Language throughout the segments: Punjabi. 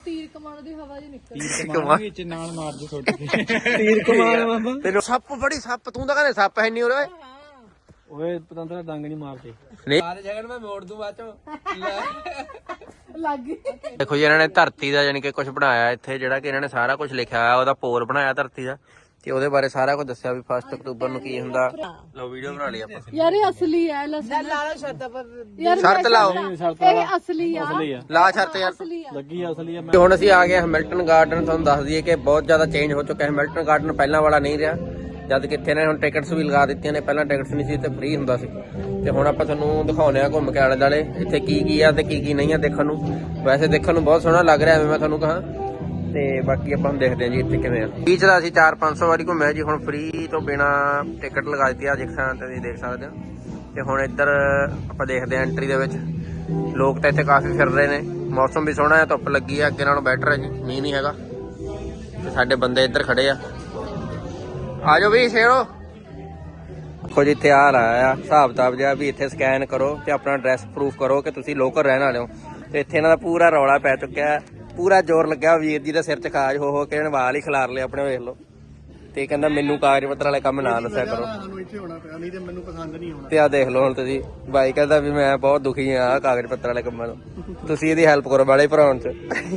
ਤੀਰ ਕਮਾਨ ਦੀ ਹਵਾ ਜੀ ਨਿਕਲ ਤੀਰ ਕਮਾਨ ਵਿੱਚ ਨਾਲ ਮਾਰ ਦੇ ਛੋਟੇ ਤੀਰ ਕਮਾਨ ਬਾਬਾ ਤੈਨੂੰ ਸੱਪ ਬੜੀ ਸੱਪ ਤੂੰ ਤਾਂ ਕਹਿੰਦੇ ਸੱਪ ਹੈ ਨਹੀਂ ਉਰੇ ਓਏ ਪਤੰਦਰਾ ਡੰਗ ਨਹੀਂ ਮਾਰਦੇ ਸਾਰੇ ਜਗ੍ਹਾ ਮੈਂ ਮੋੜ ਦੂੰ ਬਾਅਦ ਚੋਂ ਲੱਗ ਗਈ। ਦੇਖੋ ਜੀ ਇਹਨਾਂ ਨੇ ਧਰਤੀ ਦਾ ਯਾਨੀ ਕਿ ਕੁਝ ਬਣਾਇਆ ਇੱਥੇ ਜਿਹੜਾ ਕਿ ਇਹਨਾਂ ਨੇ ਸਾਰਾ ਕੁਝ ਲਿਖਿਆ ਹੋਇਆ ਉਹਦਾ ਪੋਰ ਬਣਾਇਆ ਧਰਤੀ ਦਾ ਤੇ ਉਹਦੇ ਬਾਰੇ ਸਾਰਾ ਕੁਝ ਦੱਸਿਆ ਵੀ 1 ਅਕਤੂਬਰ ਨੂੰ ਕੀ ਹੁੰਦਾ। ਲਓ ਵੀਡੀਓ ਬਣਾ ਲਈ ਆਪਾਂ ਯਾਰ ਇਹ ਅਸਲੀ ਹੈ ਲਸਣ ਲਾਲਾ ਸ਼ਰਤ ਪਰ ਯਾਰ ਸ਼ਰਤ ਲਾਓ ਇਹ ਅਸਲੀ ਆ ਲਾ ਸ਼ਰਤ ਯਾਰ ਅਸਲੀ ਆ ਲੱਗੀ ਅਸਲੀ ਆ ਤੇ ਹੁਣ ਅਸੀਂ ਆ ਗਏ ਹੈਮਿਲਟਨ ਗਾਰਡਨ। ਤੁਹਾਨੂੰ ਦੱਸ ਦਈਏ ਕਿ ਬਹੁਤ ਜ਼ਿਆਦਾ ਚੇਂਜ ਹੋ ਚੁੱਕਾ ਹੈ। ਹੈਮਿਲਟਨ ਗਾਰਡਨ ਪਹਿਲਾਂ ਵਾਲਾ ਨਹੀਂ ਰਿਹਾ ਜਦ ਕਿ ਇੱਥੇ ਨੇ ਹੁਣ ਟਿਕਟਸ ਵੀ ਲਗਾ ਦਿੱਤੀਆਂ ਨੇ। ਪਹਿਲਾਂ ਟਿਕਟਸ ਨਹੀਂ ਸੀ ਤੇ ਫ੍ਰੀ ਹੁੰਦਾ ਸੀ ਤੇ ਹੁਣ ਆਪਾਂ ਤੁਹਾਨੂੰ ਦਿਖਾਉਂਦੇ ਆ ਘੁੰਮ ਕੇ ਆਲੇ ਦੁਆਲੇ ਇੱਥੇ ਕੀ ਆ ਤੇ ਕੀ ਨਹੀਂ ਆ ਦੇਖਣ ਨੂੰ। ਵੈਸੇ ਦੇਖਣ ਨੂੰ ਬਹੁਤ ਸੋਹਣਾ ਲੱਗ ਰਿਹਾ ਐਵੇਂ ਮੈਂ ਤੁਹਾਨੂੰ ਕਹਾਂ ਤੇ ਬਾਕੀ ਆਪਾਂ ਦੇਖਦੇ ਹਾਂ ਜੀ ਇੱਥੇ ਕਿਵੇਂ ਆ। ਬੀਚ ਦਾ ਅਸੀਂ 400-500 ਵਾਰੀ ਘੁੰਮਿਆ ਜੀ। ਹੁਣ ਫ੍ਰੀ ਤੋਂ ਬਿਨਾ ਟਿਕਟ ਲਗਾ ਦਿੱਤੀ ਆ ਜਿੱਥੇ ਤੁਸੀਂ ਦੇਖ ਸਕਦੇ ਹੋ। ਤੇ ਹੁਣ ਇੱਧਰ ਆਪਾਂ ਦੇਖਦੇ ਹਾਂ ਐਂਟਰੀ ਦੇ ਵਿੱਚ ਲੋਕ ਤਾਂ ਇੱਥੇ ਕਾਫੀ ਫਿਰ ਰਹੇ ਨੇ। ਮੌਸਮ ਵੀ ਸੋਹਣਾ ਹੈ, ਧੁੱਪ ਲੱਗੀ ਆ, ਅੱਗੇ ਨਾਲੋਂ ਬੈਟਰ ਹੈ ਜੀ, ਮੀਂਹ ਨਹੀਂ ਹੈਗਾ। ਤੇ ਸਾਡੇ ਬੰਦੇ ਇੱਧਰ ਖੜੇ ਆ ਜਾਓ ਵੀ ਸ਼ੇਰੋ। ਦੇਖੋ ਜੀ ਇੱਥੇ ਆ ਰਹਾ ਆ ਹਿਸਾਬ ਕਿਤਾਬ ਜਿਹਾ ਵੀ ਇੱਥੇ ਸਕੈਨ ਕਰੋ ਤੇ ਆਪਣਾ ਐਡਰੈਸ ਪ੍ਰੂਫ ਕਰੋ ਕਿ ਤੁਸੀਂ ਲੋਕਲ ਰਹਿਣ ਵਾਲੇ ਹੋ। ਤੇ ਇੱਥੇ ਇਹਨਾਂ ਦਾ ਪੂਰਾ ਰੌਲਾ ਪੈ ਚੁੱਕਿਆ, ਪੂਰਾ ਜ਼ੋਰ ਲੱਗਿਆ ਵੀਰ ਜੀ ਦੇ ਸਿਰ 'ਚ ਖਾਜ ਹੋ ਕੇ ਇਹਨੇ ਵਾਲ ਹੀ ਖਿਲਾਰ ਲਏ ਆਪਣੇ, ਵੇਖ ਲਓ। ਤੇ ਕਹਿੰਦਾ ਮੈਨੂੰ ਕਾਗਜ਼ ਪੱਤਰ ਵਾਲੇ ਕੰਮ ਨਾ ਦੱਸਿਆ ਕਰੋ ਤੇ ਆ ਦੇਖ ਲਓ ਹੁਣ ਤੁਸੀਂ। ਬਾਈ ਕਹਿੰਦਾ ਵੀ ਮੈਂ ਬਹੁਤ ਦੁਖੀ ਆ ਕਾਗਜ਼ ਪੱਤਰ ਵਾਲੇ ਕੰਮਾਂ ਤੋਂ, ਤੁਸੀਂ ਇਹਦੀ ਹੈਲਪ ਕਰੋ ਵਾਲੇ ਭਰਾਉਣ 'ਚ।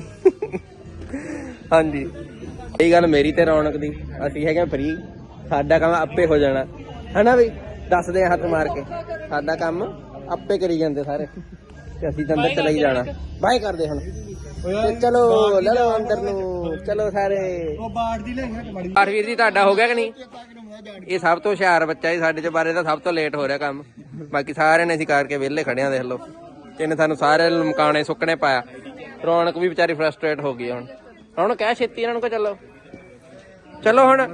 ਹਾਂਜੀ ਇਹ ਗੱਲ ਮੇਰੀ ਤੇ ਰੌਣਕ ਦੀ, ਅਸੀਂ ਹੈਗੇ ਫ੍ਰੀ, ਸਾਡਾ ਕੰਮ ਆਪੇ ਹੋ ਜਾਣਾ ਹਨਾ ਬਈ। ਦੱਸਦੇ ਆ ਹੱਥ ਮਾਰ ਕੇ ਸਾਡਾ ਕੰਮ ਆਪੇ ਕਰੀ ਜਾਂਦੇ ਸਾਰੇ ਤੇ ਅਸੀਂ ਤਾਂ ਅੰਦਰ ਚਲੇ ਹੀ ਜਾਣਾ। ਬਾਏ ਕਰਦੇ ਹੁਣ ਤੇ ਚਲੋ ਲੈ ਲਓ ਅੰਦਰ ਨੂੰ ਚਲੋ ਸਾਰੇ। ਬਾੜ ਵੀਰ ਜੀ ਤੁਹਾਡਾ ਹੋ ਗਿਆ ਕਿ ਨਹੀਂ? ਇਹ ਸਭ ਤੋਂ ਹੁਸ਼ਿਆਰ ਬੱਚਾ ਜੀ ਸਾਡੇ ਚ ਬਾਰੇ ਤਾਂ ਸਭ ਤੋਂ ਲੇਟ ਹੋ ਰਿਹਾ ਕੰਮ। ਬਾਕੀ ਸਾਰਿਆਂ ਨੇ ਅਸੀਂ ਕਰਕੇ ਵਿਹਲੇ ਖੜੇ ਆ ਦੇਖ ਲਓ। ਇਹਨੇ ਸਾਨੂੰ ਸਾਰੇ ਮਕਾਣੇ ਸੁੱਕਣੇ ਪਾਇਆ। ਰੌਣਕ ਵੀ ਵਿਚਾਰੀ ਫਰਸਟ੍ਰੇਟ ਹੋ ਗਈ ਹੁਣ। ਹੁਣ ਕਹਿ ਛੇਤੀ ਇਹਨਾਂ ਨੂੰ ਕਿ ਚਲੋ ਚਲੋ ਹੁਣ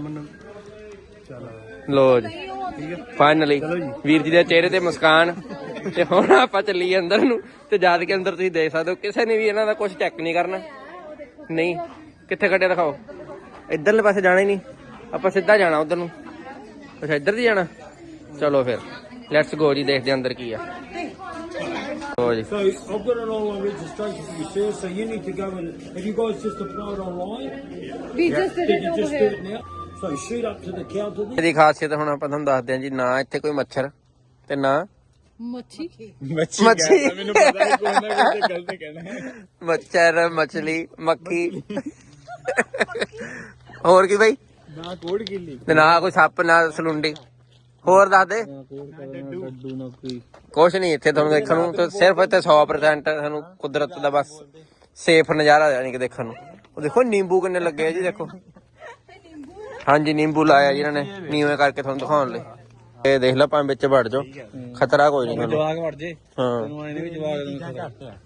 ਲੋ ਜੀ ਫਾਈਨਲੀ ਵੀਰ ਜੀ ਦੇ ਚਿਹਰੇ ਤੇ ਮੁਸਕਾਨ। ਤੇ ਹੁਣ ਆਪਾਂ ਚੱਲੀਏ ਅੰਦਰ ਨੂੰ ਤੇ ਜਦ ਕੇ ਅੰਦਰ ਤੁਸੀਂ ਦੇਖ ਸਕਦੇ ਹੋ ਕਿਸੇ ਨੇ ਵੀ ਇਹਨਾਂ ਦਾ ਕੁਝ ਚੈੱਕ ਨਹੀਂ ਕਰਨਾ। ਨਹੀਂ ਕਿੱਥੇ ਕੱਢਿਆ ਦਿਖਾਓ। ਇੱਧਰਲੇ ਪਾਸੇ ਜਾਣਾ ਹੀ ਨਹੀਂ, ਆਪਾਂ ਸਿੱਧਾ ਜਾਣਾ ਉਧਰ ਨੂੰ। ਅੱਛਾ ਇੱਧਰ ਦੀ ਜਾਣਾ, ਚਲੋ ਫਿਰ ਲੈਟਸ ਗੋ ਜੀ, ਦੇਖਦੇ ਅੰਦਰ ਕੀ ਆ। ਲੋ ਜੀ So I've got an online registration for you, sir. So you need to go and have you guys just applied online? We just did Did it you over just do here. it now? So shoot up to the counter there. ਇਹਦੀ ਖਾਸੀਅਤ ਹੁਣ ਆਪਾਂ ਤੁਹਾਨੂੰ ਦੱਸਦੇ ਹਾਂ ਜੀ। ਨਾ ਇੱਥੇ ਕੋਈ ਮੱਛਰ ਤੇ ਨਾ ਮੱਛੀ ਮੱਛੀ ਮੈਨੂੰ ਪਤਾ ਨਹੀਂ ਕੋਈ ਨਾ ਕੋਈ ਗਲਤ ਕਹਿਣਾ। ਮੱਛਰ ਮੱਛਲੀ ਮੱਖੀ ਹੋਰ ਕੀ ਬਈ? ਨਾ ਕੋੜ ਗਿੱਲੀ ਤੇ ਨਾ ਕੋਈ ਸੱਪ ਨਾ ਸਲੁੰਡੀ। ਹੋਰ ਦੱਸ ਦੇ। ਡੱਡੂ ਨਾ ਕੋਈ ਕੁਛ ਨਹੀਂ ਇੱਥੇ ਤੁਹਾਨੂੰ ਦੇਖਣ ਨੂੰ ਤੇ ਸਿਰਫ ਇੱਥੇ 100% ਤੁਹਾਨੂੰ ਕੁਦਰਤ ਦਾ ਬਸ ਸੇਫ ਨਜ਼ਾਰਾ ਯਾਨੀ ਕਿ ਦੇਖਣ ਨੂੰ। ਉਹ ਦੇਖੋ ਨਿੰਬੂ ਕਿੰਨੇ ਲੱਗੇ ਆ ਜੀ, ਦੇਖੋ। ਹਾਂਜੀ ਨਿੰਬੂ ਲਾਇਆ ਜੀ ਇਹਨਾਂ ਨੇ ਨੀਵੇਂ ਕਰਕੇ ਤੁਹਾਨੂੰ ਦਿਖਾਉਣ ਲਈ। ਇਹ ਦੇਖ ਲਓ ਭਾਵੇਂ ਵਿੱਚ ਵੜ ਜਾਓ, ਖਤਰਾ ਕੋਈ ਨਹੀਂ ਤੁਹਾਨੂੰ। ਜਵਾਗ ਵੜ ਜੇ ਹਾਂ ਤੈਨੂੰ ਆਏ ਨੇ ਵੀ ਜਵਾਗ ਨੂੰ ਖਤਰਾ।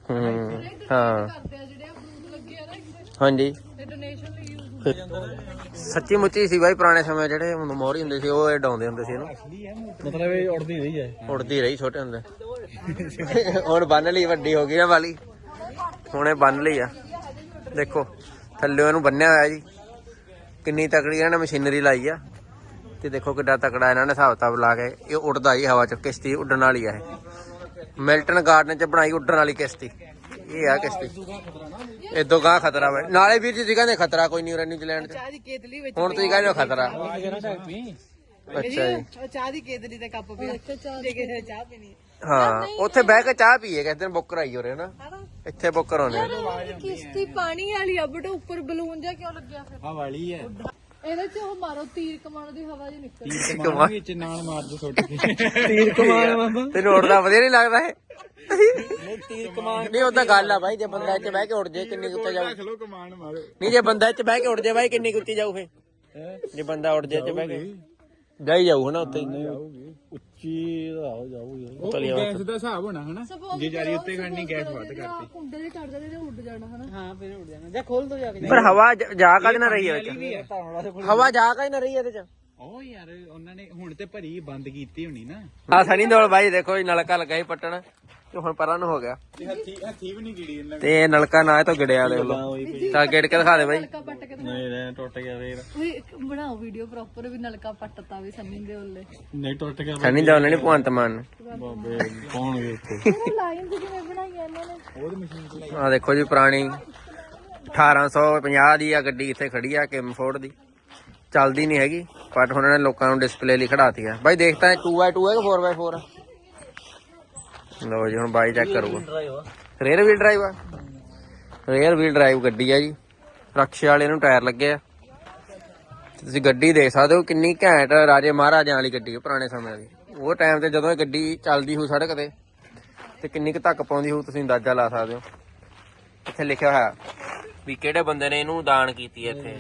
ਹਾਂ ਕਰਦੇ ਆ ਜਿਹੜੇ ਅਮਰੂਦ ਲੱਗੇ ਆ ਨਾ ਹਾਂਜੀ ਇਹ ਡੋਨੇਸ਼ਨ ਲਈ ਯੂਜ਼ ਸੱਚੀ ਮੁੱਚੀ ਸੀ ਬਾਈ। ਪੁਰਾਣੇ ਸਮੇਂ ਜਿਹੜੇ ਮੋਹਰੀ ਹੁੰਦੇ ਸੀ ਉਹ ਇਹ ਡਾਉਂਦੇ ਹੁੰਦੇ ਸੀ ਇਹਨੂੰ। ਮਤਲਬ ਇਹ ਉੜਦੀ ਰਹੀ ਹੈ, ਉੜਦੀ ਰਹੀ ਛੋਟੇ ਹੁੰਦੇ। ਹੁਣ ਬੰਨ ਲਈ, ਵੱਡੀ ਹੋ ਗਈ ਨਾ ਵਾਲੀ, ਹੁਣ ਇਹ ਬੰਨ ਲਈ ਆ। ਦੇਖੋ ਥੱਲੇ ਇਹਨੂੰ ਬੰਨਿਆ ਹੋਇਆ ਜੀ। ਕਿੰਨੀ ਤਕੜੀ ਇਹਨਾਂ ਨੇ ਮਸ਼ੀਨਰੀ ਲਾਈ ਆ ਤੇ ਦੇਖੋ ਕਿੱਡਾ ਤਕੜਾ ਇਹਨਾਂ ਨੇ ਹਿਸਾਬ ਕਿਤਾਬ ਲਾ ਕੇ। ਇਹ ਉੱਡਦਾ ਜੀ ਹਵਾ ਚ, ਕਿਸ਼ਤੀ ਉੱਡਣ ਵਾਲੀ ਆ ਇਹ। ਮਿਲਟਨ ਗਾਰਡਨ ਚ ਬਣਾਈ ਉੱਡਣ ਵਾਲੀ ਕਿਸ਼ਤੀ ਇਹ ਆ ਕਿਸ਼ਤੀ। ਇਦੋਂ ਗਾਹ ਖਤਰਾ ਵਾ ਨਾਲੇ ਵੀਰ ਜੀ ਕਹਿੰਦੇ ਖਤਰਾ ਕੋਈ ਨਹੀਂ ਉਰੇ ਨਿਊਜ਼ੀਲੈਂਡ ਚ। ਚਾਹ ਦੀ ਕੇਤਲੀ ਵਿੱਚ ਹੁਣ ਤੁਸੀਂ ਕਹਿੰਦੇ ਹੋ ਖਤਰਾ। ਅੱਛਾ ਜੀ ਚਾਹ ਦੀ ਕੇਤਲੀ ਦਾ ਕੱਪ ਪਿਆ ਜੇ ਚਾਹ ਪੀਣੀ ਹਾਂ ਉੱਥੇ ਬਹਿ ਕੇ ਚਾਹ ਪੀਏ ਕਿਸੇ ਦਿਨ ਬੁੱਕ ਕਰਾਈ ਹੋ ਨਾ ਇੱਥੇ ਬੁੱਕ ਕਰਾਉਣੇ। ਕਿਸ਼ਤੀ ਪਾਣੀ ਵਾਲੀ ਆ ਬਟ ਉੱਪਰ ਬਲੂਨ ਜਿਹਾ ਕਿਉਂ ਲੱਗਿਆ ਫਿਰ? ਆ ਵਾਲੀ ਹੈ ਇਹਦੇ ਚ ਉਹ ਮਾਰੋ ਤੀਰ ਕਮਾਨ ਦੀ ਹਵਾ ਜੀ ਨਿਕਲ ਤੀਰ ਕਮਾਨ ਵਿੱਚ ਨਾਲ ਮਾਰ ਦੇ ਛੋਟੇ ਤੀਰ ਕਮਾਨ ਬਾਬਾ। ਤੈਨੂੰ ਉੜਦਾ ਵਧੀਆ ਨਹੀਂ ਲੱਗਦਾ ਇਹ? ਨਹੀਂ ਤੀਰ ਕਮਾਨ ਨਹੀਂ ਉਹ ਤਾਂ ਗੱਲ ਆ ਬਾਈ, ਜੇ ਬੰਦਾ ਇੱਥੇ ਬਹਿ ਕੇ ਉੱਡ ਜੇ ਕਿੰਨੀ ਉੱਤੇ ਜਾਊ। ਚਲੋ ਕਮਾਨ ਮਾਰੋ। ਨਹੀਂ ਜੇ ਬੰਦਾ ਇੱਥੇ ਬਹਿ ਕੇ ਉੱਡ ਜੇ ਬਾਈ ਕਿੰਨੀ ਉੱਤੀ ਜਾਊ ਫੇ? ਜੇ ਬੰਦਾ ਉੱਡ ਜੇ ਇੱਥੇ ਬਹਿ ਕੇ ਜਾਈ ਜਾਊ ਹਨਾ ਉੱਤੇ ਉੱਚੀ ਜਾਊਗੀ। ਗੈਸ ਦਾ ਹਿਸਾਬ ਹੋਣਾ ਹਨਾ, ਜੇ ਜਾਰੀ ਉੱਤੇ ਖੜਨੀ ਗੈਸ ਵੱਧ ਕਰਤੀ। ਕੁੰਡੇ ਦੇ ਚੜ ਜਾਂਦੇ ਤੇ ਉੱਡ ਜਾਣਾ ਹਨਾ। ਹਾਂ ਫਿਰ ਉੱਡ ਜਾਣਾ ਜਾਂ ਖੋਲ ਦੋ ਜਾ ਕੇ। ਪਰ ਹਵਾ ਜਾ ਕਦ ਨਾ ਰਹੀ ਹੈ ਵਿੱਚ, ਹਵਾ ਜਾ ਕਦ ਨਾ ਰਹੀ ਇਹਦੇ ਚ। ਉਹ ਯਾਰ ਉਹਨਾਂ ਨੇ ਹੁਣ ਤੇ ਭਰੀ ਬੰਦ ਕੀਤੀ ਹੋਣੀ ਨਾ। ਆ ਸਣੀ ਦੌੜ ਬਾਈ ਦੇਖੋ ਜੀ ਨਲਕਾ ਲੱਗਾ ਸੀ ਪੱਟਣ ਤੇ ਹੁਣ ਪਰਾਂ ਨੂੰ ਹੋ ਗਿਆ ਹੱਥੀ ਵੀ ਨਹੀਂ ਗਿੜੀ ਇਹਨਾਂ ਤੇ ਇਹ ਨਲਕਾ ਨਾ ਇਹ ਤੋਂ ਗਿੜਿਆ ਦੇਖ ਲਓ। ਤਾਂ ਗਿੜ ਕੇ ਦਿਖਾ ਦੇ ਬਾਈ। ਨਲਕਾ ਪੱਟ ਕੇ ਨਹੀਂ ਰਹਿ ਟੁੱਟ ਗਿਆ ਫੇਰ। ਓਏ ਬਣਾਓ ਵੀਡੀਓ ਪ੍ਰੋਪਰ ਵੀ ਨਲਕਾ ਪੱਟਤਾ ਵੀ ਸੰਨੀ ਦੇ ਉੱਲੇ। ਨਹੀਂ ਟੁੱਟ ਗਿਆ ਸਣੀ ਦੌੜ ਨੇ ਭਗਵੰਤ ਮਾਨ ਬਾਬੇ ਪਾਉਣਗੇ ਉੱਤੇ। ਲਾਈਨ ਕਿਵੇਂ ਬਣਾਈ ਇਹਨਾਂ ਨੇ? ਉਹਦੀ ਮਸ਼ੀਨ ਚਲਾਈ ਆ ਦੇਖੋ ਜੀ ਪੁਰਾਣੀ 1850 ਦੀ ਆ ਗੱਡੀ ਇੱਥੇ ਖੜੀ ਆ ਕਿਮ ਫੋਰਡ ਦੀ, ਚੱਲਦੀ ਨਹੀਂ ਹੈਗੀ ਬਟ ਉਹਨਾਂ ਨੇ ਲੋਕਾਂ ਨੂੰ ਡਿਸਪਲੇ ਲਈ ਖੜਾਤੀ ਆ। ਬਾਈ ਦੇਖਤਾ ਹੈ 2x2 ਹੈ ਕਿ 4x4 ਆ? ਲਓ ਜੀ ਹੁਣ ਬਾਈ ਚੈੱਕ ਕਰੂਗਾ। ਰੇਅਰ ਵੀਲ ਡਰਾਈਵ ਆ, ਰੇਅਰ ਵੀਲ ਡਰਾਈਵ ਗੱਡੀ ਆ ਜੀ। ਰਕਸ਼ੇ ਵਾਲੇ ਨੂੰ ਟਾਇਰ ਲੱਗੇ ਆ। ਤੁਸੀਂ ਗੱਡੀ ਦੇਖ ਸਕਦੇ ਹੋ ਕਿੰਨੀ ਘੈਂਟ ਰਾਜੇ ਮਹਾਰਾਜਿਆਂ ਵਾਲੀ ਗੱਡੀ ਹੈ, ਪੁਰਾਣੇ ਸਮਿਆਂ ਦੀ। ਉਹ ਟਾਈਮ ਤੇ ਜਦੋਂ ਇਹ ਗੱਡੀ ਚੱਲਦੀ ਹੋਊ ਸੜਕ ਤੇ ਕਿੰਨੀ ਕੁ ਧੱਕ ਪਾਉਂਦੀ ਹੋਊ ਤੁਸੀਂ ਅੰਦਾਜ਼ਾ ਲਾ ਸਕਦੇ ਹੋ। ਇੱਥੇ ਲਿਖਿਆ ਹੋਇਆ ਵੀ ਕਿਹੜੇ ਬੰਦੇ ਨੇ ਇਹਨੂੰ ਦਾਨ ਕੀਤੀ ਹੈ ਇੱਥੇ।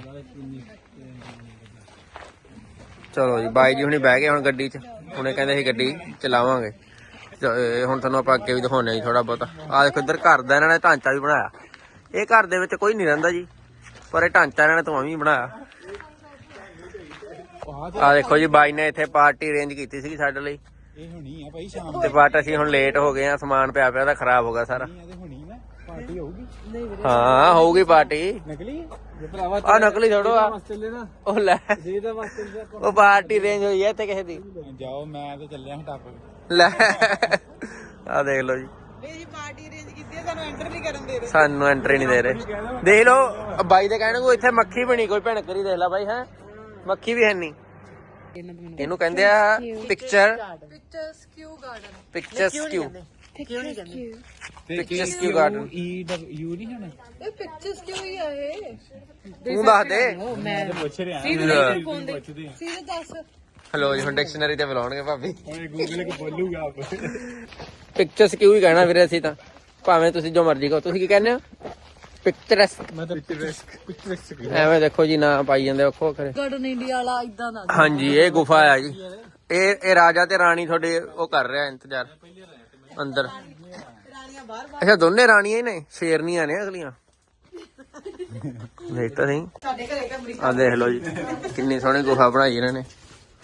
ਚਲੋ ਜੀ ਬਾਈ ਜੀ ਹੁਣੀ ਬਹਿ ਗਏ ਹੁਣ ਗੱਡੀ 'ਚ। ਹੁਣੇ ਕਹਿੰਦੇ ਸੀ ਗੱਡੀ ਚਲਾਵਾਂਗੇ। ਹੁਣ ਤੁਹਾਨੂੰ ਆਪਾਂ ਅੱਗੇ ਵੀ ਦਿਖਾਉਂਦੇ ਜੀ ਥੋੜਾ ਬਹੁਤਾ। ਆਹ ਦੇਖੋ ਇੱਧਰ ਘਰ ਦਾ ਇਹਨਾਂ ਨੇ ਢਾਂਚਾ ਵੀ ਬਣਾਇਆ। ਇਹ ਘਰ ਦੇ ਵਿੱਚ ਕੋਈ ਨਹੀਂ ਰਹਿੰਦਾ ਜੀ, ਪਰ ਇਹ ਢਾਂਚਾ ਇਹਨਾਂ ਨੇ ਧੂਆਂ ਵੀ ਬਣਾਇਆ। ਆਹ ਦੇਖੋ ਜੀ ਬਾਈ ਨੇ ਇੱਥੇ ਪਾਰਟੀ ਅਰੇਂਜ ਕੀਤੀ ਸੀ ਸਾਡੇ ਲਈ, ਇਹ ਹੁਣੀ ਆ ਭਾਈ ਸ਼ਾਮ ਤੇ ਬਟ ਅਸੀਂ ਹੁਣ ਲੇਟ ਹੋ ਗਏ ਆ। ਸਮਾਨ ਪਿਆ ਤਾਂ ਖਰਾਬ ਹੋ ਗਿਆ ਸਾਰਾ। ਤੇ ਹੁਣੀ ਨਾ ਪਾਰਟੀ ਹੋਊਗੀ। ਹਾਂ ਹੋਊਗੀ ਪਾਰਟੀ। ਨਕਲੀ ਜੇ ਭਰਾਵਾ ਆ ਨਕਲੀ ਛੋੜੋ ਆ। ਚੱਲੇ ਨਾ ਉਹ ਲੈ ਜੇ ਦਾ ਵਾਸਤੇ ਉਹ ਪਾਰਟੀ ਅਰੇਂਜ ਹੋਈ ਹੈ ਇੱਥੇ ਕਿਸੇ ਦੀ। ਜਾਓ ਮੈਂ ਤਾਂ ਚੱਲਿਆ ਹਾਂ ਟੱਪ। ਲੈ ਆ ਦੇਖ ਲਓ ਜੀ, ਮੇਰੀ ਪਾਰਟੀ ਅਰੇਂਜ ਕੀਤੀ ਹੈ, ਸਾਨੂੰ ਐਂਟਰ ਨਹੀਂ ਕਰਨ ਦੇ ਰਹੇ। ਸਾਨੂੰ ਐਂਟਰੀ ਨਹੀਂ ਦੇ ਰਹੇ। ਦੇਖ ਲਓ ਬਾਈ ਦੇ ਕਹਿਣ ਕੋ ਇੱਥੇ ਮੱਖੀ ਬਣੀ ਕੋਈ ਭਿਣਕ ਕਰੀ ਦੇਖ ਲੈ ਬਾਈ। ਹੈ ਮੱਖੀ ਵੀ ਹੈ ਨਹੀਂ। ਇਹਨੂੰ ਕਹਿੰਦੇ ਆ picturesque garden. Picturesque ਕਿਉਂ ਨਹੀਂ ਕਹਿੰਦੇ? Picture picturesque garden. ਯੂ ਨਹੀਂ ਹੋਣਾ। ਇਹ ਪਿਕਚਰ ਸਕਿਊ ਹੀ ਆ ਇਹ। ਤੂੰ ਦੱਸ ਦੇ। ਮੈਂ ਪੁੱਛ ਰਿਹਾ ਪੁੱਛਦੇ ਸੀਧੇ ਦੱਸ। ਹਲੋ ਜੀ ਹੁਣ ਡਿਕਸ਼ਨਰੀ ਤੇ ਬੁਲਾਉਣਗੇ ਭਾਬੀ। ਓਏ ਗੂਗਲ ਕੋ ਬੋਲੂਗਾ ਆਪ। ਪਿਕਚਰ ਸਕਿਊ ਹੀ ਕਹਿਣਾ ਵੀਰੇ ਅਸੀਂ ਤਾਂ, ਭਾਵੇਂ ਤੁਸੀਂ ਜੋ ਮਰਜ਼ੀ ਕਹੋ। ਤੁਸੀਂ ਕੀ ਕਹਿੰਦੇ ਹੋ? ਪਿਕਚਰਸ। ਮੈਂ ਤਾਂ ਪਿਕਚਰਸ ਐਵੇਂ ਦੇਖੋ ਜੀ ਨਾ ਪਾਈ ਜਾਂਦੇ ਵੱਖੋ ਵੱਖਰੇ। ਗਾਰਡਨ ਇੰਡੀਆ ਵਾਲਾ ਇਦਾਂ ਦਾ। ਹਾਂਜੀ ਇਹ ਗੁਫਾ ਆ ਜੀ। ਇਹ ਰਾਜਾ ਤੇ ਰਾਣੀ ਤੁਹਾਡੇ ਉਹ ਕਰ ਰਿਹਾ ਇੰਤਜ਼ਾਰ ਅੰਦਰ। ਅੱਛਾ ਦੋਨੇ ਰਾਣੀਆਂ ਹੀ ਨੇ, ਸ਼ੇਰਨੀਆਂ ਨੇ ਅਗਲੀਆਂ। ਦੇਖ ਤਾਂ ਸਹੀ। ਸਾਡੇ ਘਰੇ ਕਮਰੀ ਆ ਦੇਖ ਲਓ ਜੀ ਕਿੰਨੀ ਸੋਹਣੀ ਗੁਫਾ ਬਣਾਈ ਇਹਨਾਂ ਨੇ।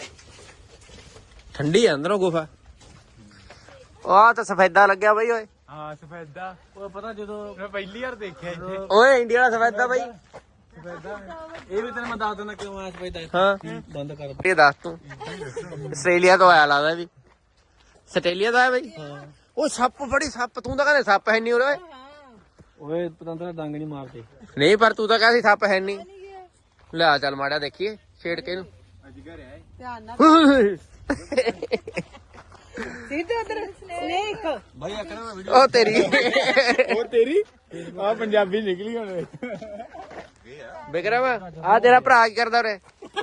ਠੰਡੀ ਆ ਅੰਦਰੋਂ ਗੁਫਾ। ਆਹ ਤਾਂ ਸਫੈਦਾ ਲੱਗਿਆ ਬਈ ਓਏ। ਹਾਂ ਸਫੈਦਾ। ਉਹ ਪਤਾ ਜਦੋਂ ਮੈਂ ਪਹਿਲੀ ਵਾਰ ਦੇਖਿਆ ਇੱਥੇ ਓਏ ਇੰਡੀਆ ਵਾਲਾ ਸਫੈਦਾ ਬਈ। ਸਫੈਦਾ। ਇਹ ਵੀ ਤੈਨੂੰ ਮੈਂ ਦੱਸ ਦਿੰਦਾ ਕਿਉਂ ਆ ਸਫੈਦਾ। ਹਾਂ ਬੰਦ ਕਰ। ਇਹ ਦੱਸ ਤੂੰ। ਆਸਟ੍ਰੇਲੀਆ ਤੋਂ ਆਇਆ ਲੱਗਦਾ ਵੀ। ਆਸਟ੍ਰੇਲੀਆ ਤੋਂ ਆਇਆ ਬਈ। ਉਹ ਸੱਪ ਬੜੀ ਸੱਪ। ਤੂੰ ਤਾਂ ਕਹਿੰਦੇ ਸੱਪ ਹੈ ਨਹੀਂ ਉਰੇ। ਓਏ ਪਤੰਦਰ ਡੰਗ ਨਹੀਂ ਮਾਰਦੇ। ਨਹੀਂ ਪਰ ਤੂੰ ਤਾਂ ਕਹਿੰਦਾ ਸੀ ਸੱਪ ਹੈ ਨਹੀਂ। ਲੈ ਚੱਲ ਮਾੜਾ ਦੇਖੀਏ ਛੇੜ ਕੇ ਇਹਨੂੰ। ਅੱਜ ਘਰ ਆਏ। ਧਿਆਨ ਨਾਲ ਸਿੱਧੇ ਉਧਰ ਸਨੇਕ। ਭਾਈ ਆਕਣਾ ਮੈਂ ਉਹ ਤੇਰੀ ਉਹ ਤੇਰੀ ਆ ਪੰਜਾਬੀ ਨਿਕਲੀ ਹੁਣ। ਬਿਕਰਮ ਆ ਤੇਰਾ ਭਰਾ ਕੀ ਕਰਦਾ ਉਰੇ?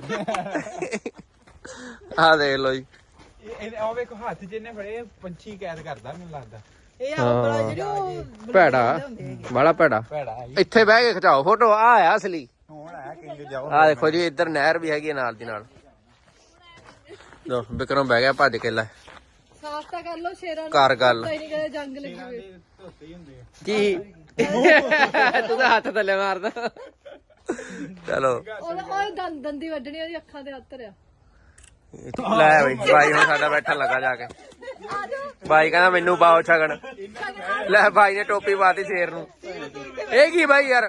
ਆ ਦੇਖ ਲੋ ਜੀ। ਇਹ ਆ ਵੇਖੋ ਹੱਥ ਜਿਹਨੇ ਫੜੇ ਪੰਛੀ ਕੈਦ ਕਰਦਾ ਮੈਨੂੰ ਲੱਗਦਾ। ਇਹ ਆਪਣਾ ਜਿਹੜੇ ਉਹ ਭੈੜਾ ਬੜਾ ਭੈੜਾ। ਭੈੜਾ ਇੱਥੇ ਬਹਿ ਕੇ ਖਿਚਾਓ ਫੋਟੋ। ਆ ਆ ਅਸਲੀ। ਹੁਣ ਆਇਆ ਕਿੰਗ ਜਾਓ। ਆ ਦੇਖੋ ਜੀ ਇੱਧਰ ਨਹਿਰ ਵੀ ਹੈਗੀ ਨਾਲ ਦੀ ਨਾਲ। ਲੋ ਬਿਕਰਮ ਬਹਿ ਗਿਆ ਭੱਜ ਕੇ। ਲੈ ਸਾਫ ਤਾਂ ਕਰ ਲੋ ਸ਼ੇਰਾਂ ਨੂੰ। ਕਰ ਗੱਲ ਪਤਾ ਹੀ ਨਹੀਂ ਕਦੇ ਜੰਗ ਲੱਗੀ ਹੋਵੇ। ਧੋਤੇ ਹੀ ਹੁੰਦੇ ਆ। ਕੀ ਤੂੰ ਤਾਂ ਹੱਥ ਥੱਲੇ ਮਾਰਦਾ। ਚਲੋ ਉਹ ਦੰਦੀ ਵੱਢਣੀ ਉਹਦੀ ਅੱਖਾਂ ਦੇ ਹੱਥ ਰਿਆ। ਲੈ ਬਈ ਬਾਈ ਹੁਣ ਸਾਡਾ ਬੈਠਣ ਲੱਗਾ ਜਾ ਕੇ। ਬਾਈ ਕਹਿੰਦਾ ਮੈਨੂੰ ਪਾਓ ਛਗਣ। ਲੈ ਬਾਈ ਨੇ ਟੋਪੀ ਪਾਤੀ ਸ਼ੇਰ ਨੂੰ। ਇਹ ਕੀ ਬਾਈ ਯਾਰ